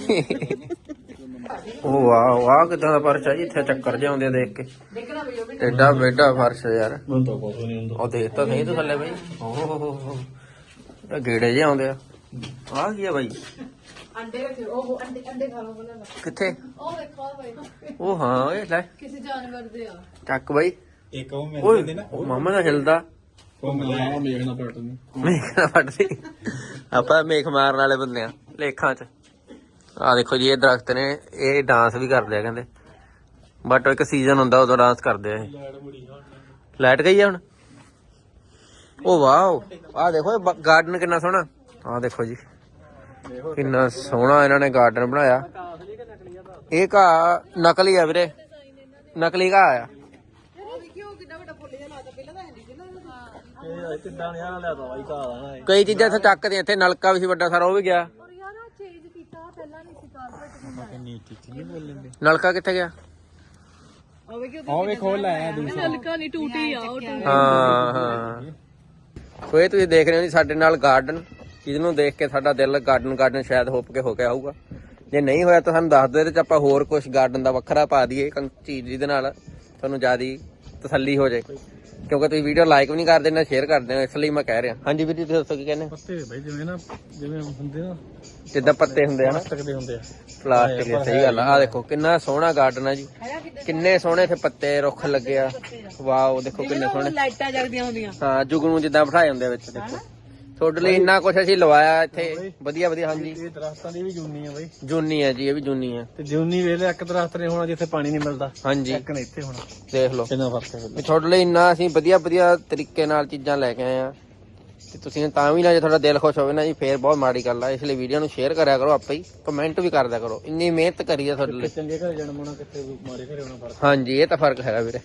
ਉਹ ਵਾਹ ਵਾਹ, ਕਿਦਾਂ ਦਾ ਫਰਸ਼ ਆ ਜੀ, ਇੱਥੇ ਚੱਕਰ ਜਿਹੇ ਆਉਂਦੇ ਆ ਦੇਖ ਕੇ। ਐਡਾ ਬੇਡਾ ਫਰਸ਼ ਯਾਰ, ਉਹ ਦੇਖ ਤਾਂ ਸਹੀ ਤੂੰ ਥੱਲੇ ਬਈ। ਓਹ ਗੇੜੇ ਜਿਹੇ ਆਉਂਦੇ ਆ। ਆਹ ਕੀ ਆ ਬਾਈ? ਅੰਡੇ ਰੱਖੇ, ਉਹ ਅੰਡੇ ਖਾ ਲਓ ਬਣਾ। ਕਿੱਥੇ? ਉਹ ਦੇਖੋ ਬਾਈ, ਉਹ ਹਾਂ, ਇਹ ਲੈ ਕਿਸੇ ਜਾਨਵਰ ਦੇ ਆ। ਚੱਕ ਬਾਈ। ਇੱਕ ਉਹ ਮਿਲ ਓਏ ਜਾਂਦੇ ਨਾ, ਮਾਮਾ ਦਾ ਹਿਲਦਾ ਉਹ ਮਿਲਿਆ ਮੇਖਣਾ ਪੜਤ ਨੂੰ। ਮੇਖ ਨਾ ਫੜਦੀ, ਆਪਾਂ ਮੇਖ ਮਾਰਨ ਵਾਲੇ ਬੰਦੇ ਆ ਲੇਖਾਂ 'ਚ। ਆਹ ਦੇਖੋ ਜੀ, ਇਹ ਦਰਖਤ ਨੇ, ਇਹ ਡਾਂਸ ਵੀ ਕਰਦੇ ਆ ਕਹਿੰਦੇ, ਬਟ ਇੱਕ ਸੀਜ਼ਨ ਹੁੰਦਾ ਉਦੋਂ ਡਾਂਸ ਕਰਦੇ ਆ ਇਹ। ਲਾਈਟ ਗਈ ਆ ਹੁਣ। ਉਹ ਵਾਓ, ਆਹ ਦੇਖੋ ਗਾਰਡਨ ਕਿੰਨਾ ਸੋਹਣਾ। ਆਹ ਦੇਖੋ ਜੀ ਕਿੰਨਾ ਸੋਹਣਾ ਇਹਨਾਂ ਨੇ ਗਾਰਡਨ ਬਣਾਇਆ। ਇਹ ਘਾਹ ਨਕਲੀ ਆ ਵੀਰੇ, ਨਕਲੀ ਘਾਹ ਆ। ਕਈ ਚੀਜ਼ਾਂ ਇੱਥੇ ਚੱਕਦੇ, ਇੱਥੇ ਨਲਕਾ ਵੀ ਸੀ ਵੱਡਾ ਸਾਰਾ, ਉਹ ਵੀ ਗਿਆ। ਨਲਕਾ ਕਿੱਥੇ ਗਿਆ? ਉਹ ਵੀ ਖੋਲ ਲਾਇਆ ਦੂਸਰਾ। ਨਲਕਾ ਨਹੀਂ, ਟੂਟੀ ਆ ਉਹ ਟੂਟੀ। ਹਾਂ ਹਾਂ, ਸੋ ਇਹ ਤੁਸੀਂ ਦੇਖ ਰਹੇ ਹੋ ਜੀ ਸਾਡੇ ਨਾਲ ਗਾਰਡਨ, ਜਿਹਨੂੰ ਦੇਖ ਕੇ ਸਾਡਾ ਦਿਲ ਗਾਰਡਨ ਸ਼ਾਇਦ ਹੋਪ ਕੇ ਹੋ ਗਿਆ ਹੋਊਗਾ। ਜੇ ਨਹੀਂ ਹੋਇਆ ਤਾਂ ਸਾਨੂੰ ਦੱਸ ਦਿਓ, ਇਹਦੇ 'ਚ ਆਪਾਂ ਹੋਰ ਕੁਝ ਗਾਰਡਨ ਦਾ ਵੱਖਰਾ ਪਾ ਦਈਏ ਚੀਜ਼, ਜਿਹਦੇ ਨਾਲ ਤੁਹਾਨੂੰ ਜ਼ਿਆਦਾ ਤਸੱਲੀ ਹੋ ਜਾਏ, ਕਿਉਂਕਿ ਤੁਸੀਂ ਵੀਡੀਓ ਲਾਈਕ ਵੀ ਨਹੀਂ ਕਰਦੇ ਨਾ ਸ਼ੇਅਰ ਕਰਦੇ ਹੋ, ਇਸ ਲਈ ਮੈਂ ਕਹਿ ਰਿਹਾ। ਹਾਂਜੀ ਵੀਰ ਜੀ, ਤੁਸੀਂ ਦੱਸੋ ਕੀ ਕਹਿੰਦੇ? ਪੱਤੇ ਬਈ ਜਿਵੇਂ ਨਾ, ਜਿਵੇਂ ਹੁੰਦੇ ਨਾ, ਜਿੱਦਾਂ ਪੱਤੇ ਹੁੰਦੇ ਆ ਨਾ, ਪਲਾਸਟਿਕ ਦੇ ਹੁੰਦੇ ਆ। ਪਲਾਸਟਿਕ ਦੇ, ਸਹੀ ਗੱਲ ਆ। ਆਹ ਦੇਖੋ ਕਿੰਨਾ ਸੋਹਣਾ ਗਾਰਡਨ ਆ ਜੀ, ਕਿੰਨੇ ਸੋਹਣੇ ਇੱਥੇ ਪੱਤੇ ਰੁੱਖ ਲੱਗੇ ਆ। ਵਾਓ, ਦੇਖੋ ਕਿੰਨੇ ਸੋਹਣੇ ਲਾਈਟਾਂ ਜਗਦੀਆਂ ਹੁੰਦੀਆਂ। ਹਾਂ, ਜੁਗਨੂ ਜਿੱਦਾਂ ਬਿਠਾਏ ਹੁੰਦੇ ਵਿੱਚ। ਦੇਖੋ ਤੁਹਾਡੇ ਲਈ ਇੰਨਾ ਕੁਛ ਅਸੀਂ ਲਵਾਇਆ ਇੱਥੇ, ਵਧੀਆ ਵਧੀਆ। ਹਾਂਜੀ, ਇਹ ਦਰਖਤਾਂ ਦੀ ਵੀ ਜੂਨੀ ਆ ਬਈ, ਜੂਨੀ ਹੈ ਜੀ, ਇਹ ਵੀ ਜੂਨੀ ਹੈ। ਤੇ ਜੂਨੀ ਵੇਲੇ ਇੱਕ ਦਰਖਤ ਨੇ ਹੋਣਾ ਜਿੱਥੇ ਪਾਣੀ ਨਹੀਂ ਮਿਲਦਾ, ਹਾਂਜੀ, ਇੱਕ ਨੇ ਇੱਥੇ ਹੋਣਾ। ਦੇਖ ਲਓ ਕਿੰਨਾ ਫਰਕ ਹੈ। ਤੁਹਾਡੇ ਲਈ ਇੰਨਾ ਅਸੀਂ ਵਧੀਆ ਵਧੀਆ ਤਰੀਕੇ ਨਾਲ ਚੀਜ਼ਾਂ ਲੈ ਕੇ ਆਏ ਆ, ਤੇ ਤੁਸੀਂ ਤਾਂ ਵੀ ਨਾ, ਜੇ ਤੁਹਾਡਾ ਦਿਲ ਖੁਸ਼ ਹੋਵੇ ਨਾ ਜੀ, ਫੇਰ ਬਹੁਤ ਮਾੜੀ ਗੱਲ ਆ। ਇਸ ਲਈ ਵੀਡੀਓ ਨੂੰ ਸ਼ੇਅਰ ਕਰਿਆ ਕਰੋ, ਆਪੇ ਹੀ ਕਮੈਂਟ ਵੀ ਕਰਦਿਆ ਕਰੋ। ਇੰਨੀ ਮਿਹਨਤ ਕਰੀ ਆ ਤੁਹਾਡੇ ਲਈ। ਚੰਗੇ ਘਰੇ ਜਨਮ ਹੋਣਾ, ਕਿੱਥੇ ਮਾੜੇ ਘਰੇ ਹੋਣਾ ਫਰਕ। ਹਾਂਜੀ, ਇਹ ਤਾਂ ਫਰਕ ਹੈਗਾ ਵੀਰੇ।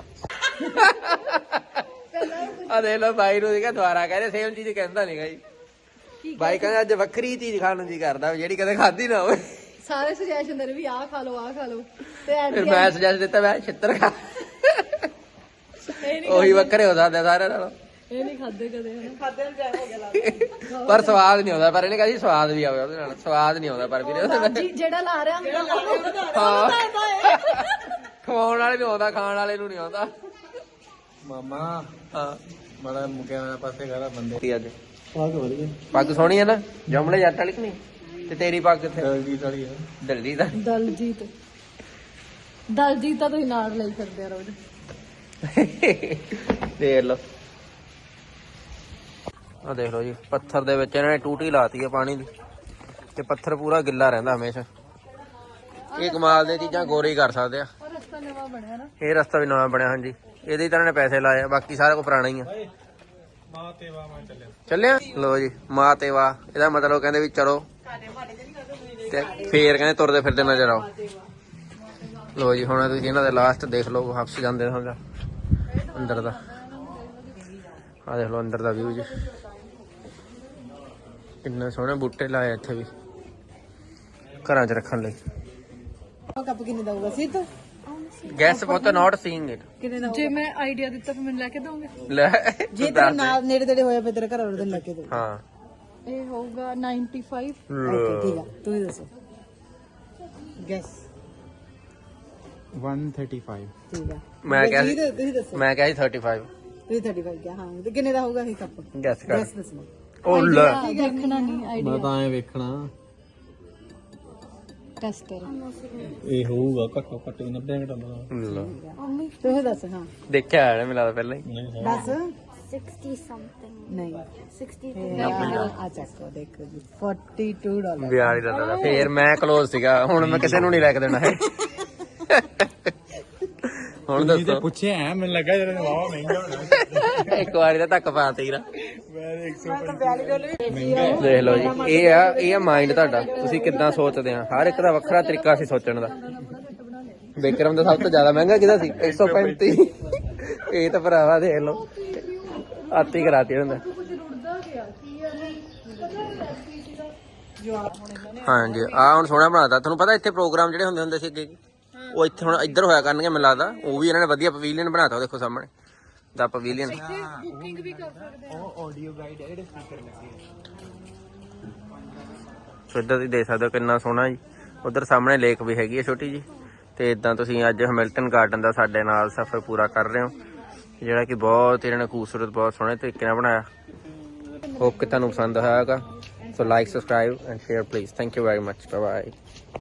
ਆ ਦੇਖ ਲਓ ਬਾਈ ਨੂੰ ਦੇਖਿਆ ਦੁਬਾਰਾ ਕਹਿੰਦੇ ਸੇਮ ਚੀਜ਼ ਕਹਿੰਦਾ ਨਹੀਂਗਾ ਜੀ। ਬਾਈ ਕਹਿੰਦਾ ਅੱਜ ਵੱਖਰੀ ਚੀਜ਼ ਖਾਣ ਨੂੰ ਜੀ ਕਰਦਾ, ਜਿਹੜੀ ਕਦੇ ਖਾਧੀ ਨਾ ਹੋਵੇ। ਸਾਰੇ ਸੁਜੈਸ਼ਨ ਦੇ ਵੀ ਆਹ ਖਾ ਲਓ ਆਹ ਖਾ ਲਓ, ਤੇ ਫਿਰ ਮੈਂ ਸੁਜੈਸਟ ਦਿੱਤਾ, ਮੈਂ ਛਿੱਤਰ ਖਾ। ਉਹੀ ਵੱਖਰੇ ਹੋ ਸਕਦੇ ਸਾਰਿਆਂ ਨਾਲੋਂ। ਇਹ ਨਹੀਂ ਖਾਦੇ ਕਦੇ ਖਾਦੇ ਨੂੰ ਟਾਈਮ ਹੋ ਗਿਆ ਲੱਗਦਾ। ਪਰ ਸਵਾਦ ਨਹੀਂ ਆਉਂਦਾ, ਪਰ ਇਹਨੇ ਕਹਾ ਜੀ ਸਵਾਦ ਵੀ ਆਵੇ ਉਹਦੇ ਨਾਲ, ਸਵਾਦ ਨਹੀਂ ਆਉਂਦਾ ਪਰ ਵੀਰੇ ਉਹਦੇ ਨਾਲ। ਜਿਹੜਾ ਲਾ ਰਿਹਾ ਹਾਂ, ਖਵਾਉਣ ਵਾਲੇ ਨੂੰ ਆਉਂਦਾ, ਖਾਣ ਵਾਲੇ ਨੂੰ ਨਹੀਂ ਆਉਂਦਾ। ਮਾਮਾ ਹਾਂ, ਬੜਾ ਮੁਕਿਆ ਪਾਸੇ ਘਰਾ ਬੰਦੇ ਕੀ ਅੱਜ ਆਹ ਕਿ ਵਧੀਆ ਪੱਗ ਸੋਹਣੀ ਹੈ ਨਾ, ਜੰਮਲੇ ਜੱਟ ਵਾਲੀ ਕਿ ਨਹੀਂ? ਤੇ ਤੇਰੀ ਪੱਗ ਕਿੱਥੇ? ਦਲਜੀਤ ਵਾਲੀ ਆ। ਦਲਜੀਤ ਦਾ। ਦਲਜੀਤ ਤਾਂ ਤੁਸੀਂ ਨਾਲ ਲਈ ਫਿਰਦੇ ਆ ਰੋਜ਼। ਦੇਖ ਲਓ, ਆ ਦੇਖ ਲਓ ਜੀ, ਪੱਥਰ ਦੇ ਵਿੱਚ ਇਹਨਾਂ ਨੇ ਟੂਟੀ ਲਾਤੀ ਹੈ ਪਾਣੀ ਦੀ, ਤੇ ਪੱਥਰ ਪੂਰਾ ਗਿੱਲਾ ਰਹਿੰਦਾ ਹਮੇਸ਼ਾ। ਇਹ ਕਮਾਲ ਦੀਆਂ ਚੀਜ਼ਾਂ ਗੋਰੇ ਕਰ ਸਕਦੇ ਆ। ਰਸਤਾ ਨਵਾਂ ਬਣਿਆ ਨਾ, ਇਹ ਰਸਤਾ ਵੀ ਨਵਾਂ ਬਣਿਆ। ਹਾਂਜੀ, ਇਹਦੇ ਤਾਂ ਇਹਨਾਂ ਨੇ ਪੈਸੇ ਲਾਏ ਆ, ਬਾਕੀ ਸਾਰਾ ਕੁਝ ਪੁਰਾਣਾ ਹੀ ਆ। ਮਾਂ ਤੇ ਵਾਹ ਮੈਂ ਚੱਲਿਆ। ਲੋ ਜੀ, ਮਾਂ ਤੇ ਵਾਹ, ਇਹਦਾ ਮਤਲਬ ਕਹਿੰਦੇ ਵੀ ਚਲੋ, ਤੇ ਫੇਰ ਕਹਿੰਦੇ ਤੁਰਦੇ ਫਿਰਦੇ ਨਜ਼ਰ ਆਓ। ਲੋ ਜੀ, ਹੁਣ ਤੁਸੀਂ ਇਹਨਾਂ ਦੇ ਲਾਸਟ ਦੇਖ ਲਓ, ਵਾਪਸ ਜਾਂਦੇ ਸਮਝਾ ਅੰਦਰ ਦਾ। ਆ ਦੇਖ ਲਓ ਅੰਦਰ ਦਾ ਵਿਊ ਜੀ, ਕਿੰਨੇ ਸੋਹਣੇ ਬੂਟੇ ਲਾਏ ਇੱਥੇ ਵੀ ਘਰਾਂ 'ਚ ਰੱਖਣ ਲਈ। ਕੱਪ ਕਿੰਨੇ ਦਊਗਾ ਸਿੱਧ? ਗੈਸ ਬਹੁਤ ਨਾਟ ਸੀਇੰਗ ਇਟ ਕਿੰਨੇ ਦਾ ਜੇ ਮੈਂ ਆਈਡੀਆ ਦਿੱਤਾ ਫਿਰ ਮੈਨੂੰ ਲੈ ਕੇ ਦੋਗੇ? ਲੈ ਜੇ ਤੇਰੇ ਨਾਲ ਨੇੜੇ ਤੇੜੇ ਹੋਇਆ ਫਿਰ ਤੇਰੇ ਘਰ ਵਾਲੇ ਦਿਨ ਲੈ ਕੇ ਦੇ ਹਾਂ ਇਹ ਹੋਊਗਾ 95। ਓਕੇ ਠੀਕ ਆ ਤੂੰ ਹੀ ਦੱਸੋ ਗੈਸ 135 ਠੀਕ ਆ ਮੈਂ ਕਿਹਾ ਸੀ ਤੁਸੀਂ ਦੱਸੋ ਮੈਂ ਕਿਹਾ ਸੀ 35 ਤੁਸੀਂ 35 ਕਿਹਾ ਹਾਂ ਤੇ ਕਿੰਨੇ ਦਾ ਹੋਊਗਾ ਇਹ ਕੱਪ ਗੈਸ ਕਰ ਗੈਸ ਦੱਸਣਾ ਉਹ ਲੈ ਦੇਖਣਾ ਨਹੀਂ ਆਈਡੀਆ ਮੈਂ ਤਾਂ ਐ ਵੇਖਣਾ ਟੈਸਟਰ। ਇਹ ਹੋਊਗਾ ਘੱਟੋ ਘੱਟ 90 ਘੰਟਾ ਦਾ ਲੈ। ਤੁਸੀਂ ਦੱਸ ਹਾਂ ਦੇਖਿਆ ਹੈ ਮੈਨੂੰ ਲੱਗਦਾ ਪਹਿਲਾਂ ਹੀ ਦੱਸ 60 something. ਨਹੀਂ 60. ਆ ਚੱਕੋ ਦੇਖੋ ਜੀ $42 ਬਿਆਰ ਹੀ ਲੱਗਦਾ ਫੇਰ ਮੈਂ ਕਲੋਜ਼ ਸੀਗਾ ਹੁਣ ਮੈਂ ਕਿਸੇ ਨੂੰ ਨਹੀਂ ਲੈ ਕੇ ਦੇਣਾ ਹੈ ਹੁਣ ਦੱਸੋ ਪੁੱਛਿਆ ਐ ਮੈਨੂੰ ਲੱਗਾ ਜਿਹੜਾ ਵਾਵਾ ਮਹਿੰਗਾ ਹੋਣਾ ਇੱਕ ਵਾਰੀ ਤਾਂ ਧੱਕ ਪਾ ਤੀਰਾ ਮੈਂ ਦੇਖ ਲਓ ਜੀ ਇਹ ਆ ਮਾਈਂਡ ਤੁਹਾਡਾ ਤੁਸੀਂ ਕਿੱਦਾਂ ਸੋਚਦੇ ਆ ਹਰ ਇੱਕ ਦਾ ਵੱਖਰਾ ਤਰੀਕਾ ਸੀ ਸੋਚਣ ਦਾ ਵਿਕਰਮ ਦਾ ਸਭ ਤੋਂ ਜ਼ਿਆਦਾ ਮਹਿੰਗਾ ਕਿਹਦਾ ਸੀ 135 ਇਹ ਤਾਂ ਭਰਾਵਾ ਦੇਖ ਲਓ ਆਤੀ ਕਰਾਤੀ ਹੁੰਦਾ ਹਾਂਜੀ ਆ ਹੁਣ ਸੋਹਣਾ ਬਣਾਤਾ ਤੁਹਾਨੂੰ ਪਤਾ ਇੱਥੇ ਪ੍ਰੋਗਰਾਮ ਜਿਹੜੇ ਹੁੰਦੇ ਸੀ ਅੱਗੇ ਉਹ ਇੱਥੇ ਹੁਣ ਇੱਧਰ ਹੋਇਆ ਕਰਨਗੇ ਮੈਨੂੰ ਲੱਗਦਾ ਉਹ ਵੀ ਇਹਨਾਂ ਨੇ ਵਧੀਆ ਪਵੇਲੀਅਨ ਬਣਾਤਾ ਦੇਖੋ ਸਾਹਮਣੇ ਦਾ ਪਵੇਲੀਅਨ ਬੁਕਿੰਗ ਵੀ ਕਰ ਸਕਦੇ ਆ। ਉਹ ਆਡੀਓ ਗਾਈਡ ਹੈ ਜਿਹੜੇ ਸਪੀਕਰ ਲੱਗੇ ਸੋ ਇੱਧਰ ਤੁਸੀਂ ਦੇਖ ਸਕਦੇ ਹੋ ਕਿੰਨਾ ਸੋਹਣਾ ਜੀ ਉਧਰ ਸਾਹਮਣੇ ਲੇਕ ਵੀ ਹੈਗੀ ਹੈ ਛੋਟੀ ਜੀ ਤੇ ਇਦਾਂ ਤੁਸੀਂ ਅੱਜ ਹੈਮਿਲਟਨ ਗਾਰਡਨ ਦਾ ਸਾਡੇ ਨਾਲ ਸਫ਼ਰ ਪੂਰਾ ਕਰ ਰਹੇ ਹੋ ਜਿਹੜਾ ਕਿ ਬਹੁਤ ਇਹਨਾਂ ਨੇ ਖੂਬਸੂਰਤ ਬਹੁਤ ਸੋਹਣੇ ਤਰੀਕੇ ਨਾਲ ਬਣਾਇਆ ਹੋਪ ਕਿ ਤੁਹਾਨੂੰ ਪਸੰਦ ਆਇਆ ਹੋਵੇਗਾ so like subscribe and share please thank you very much bye bye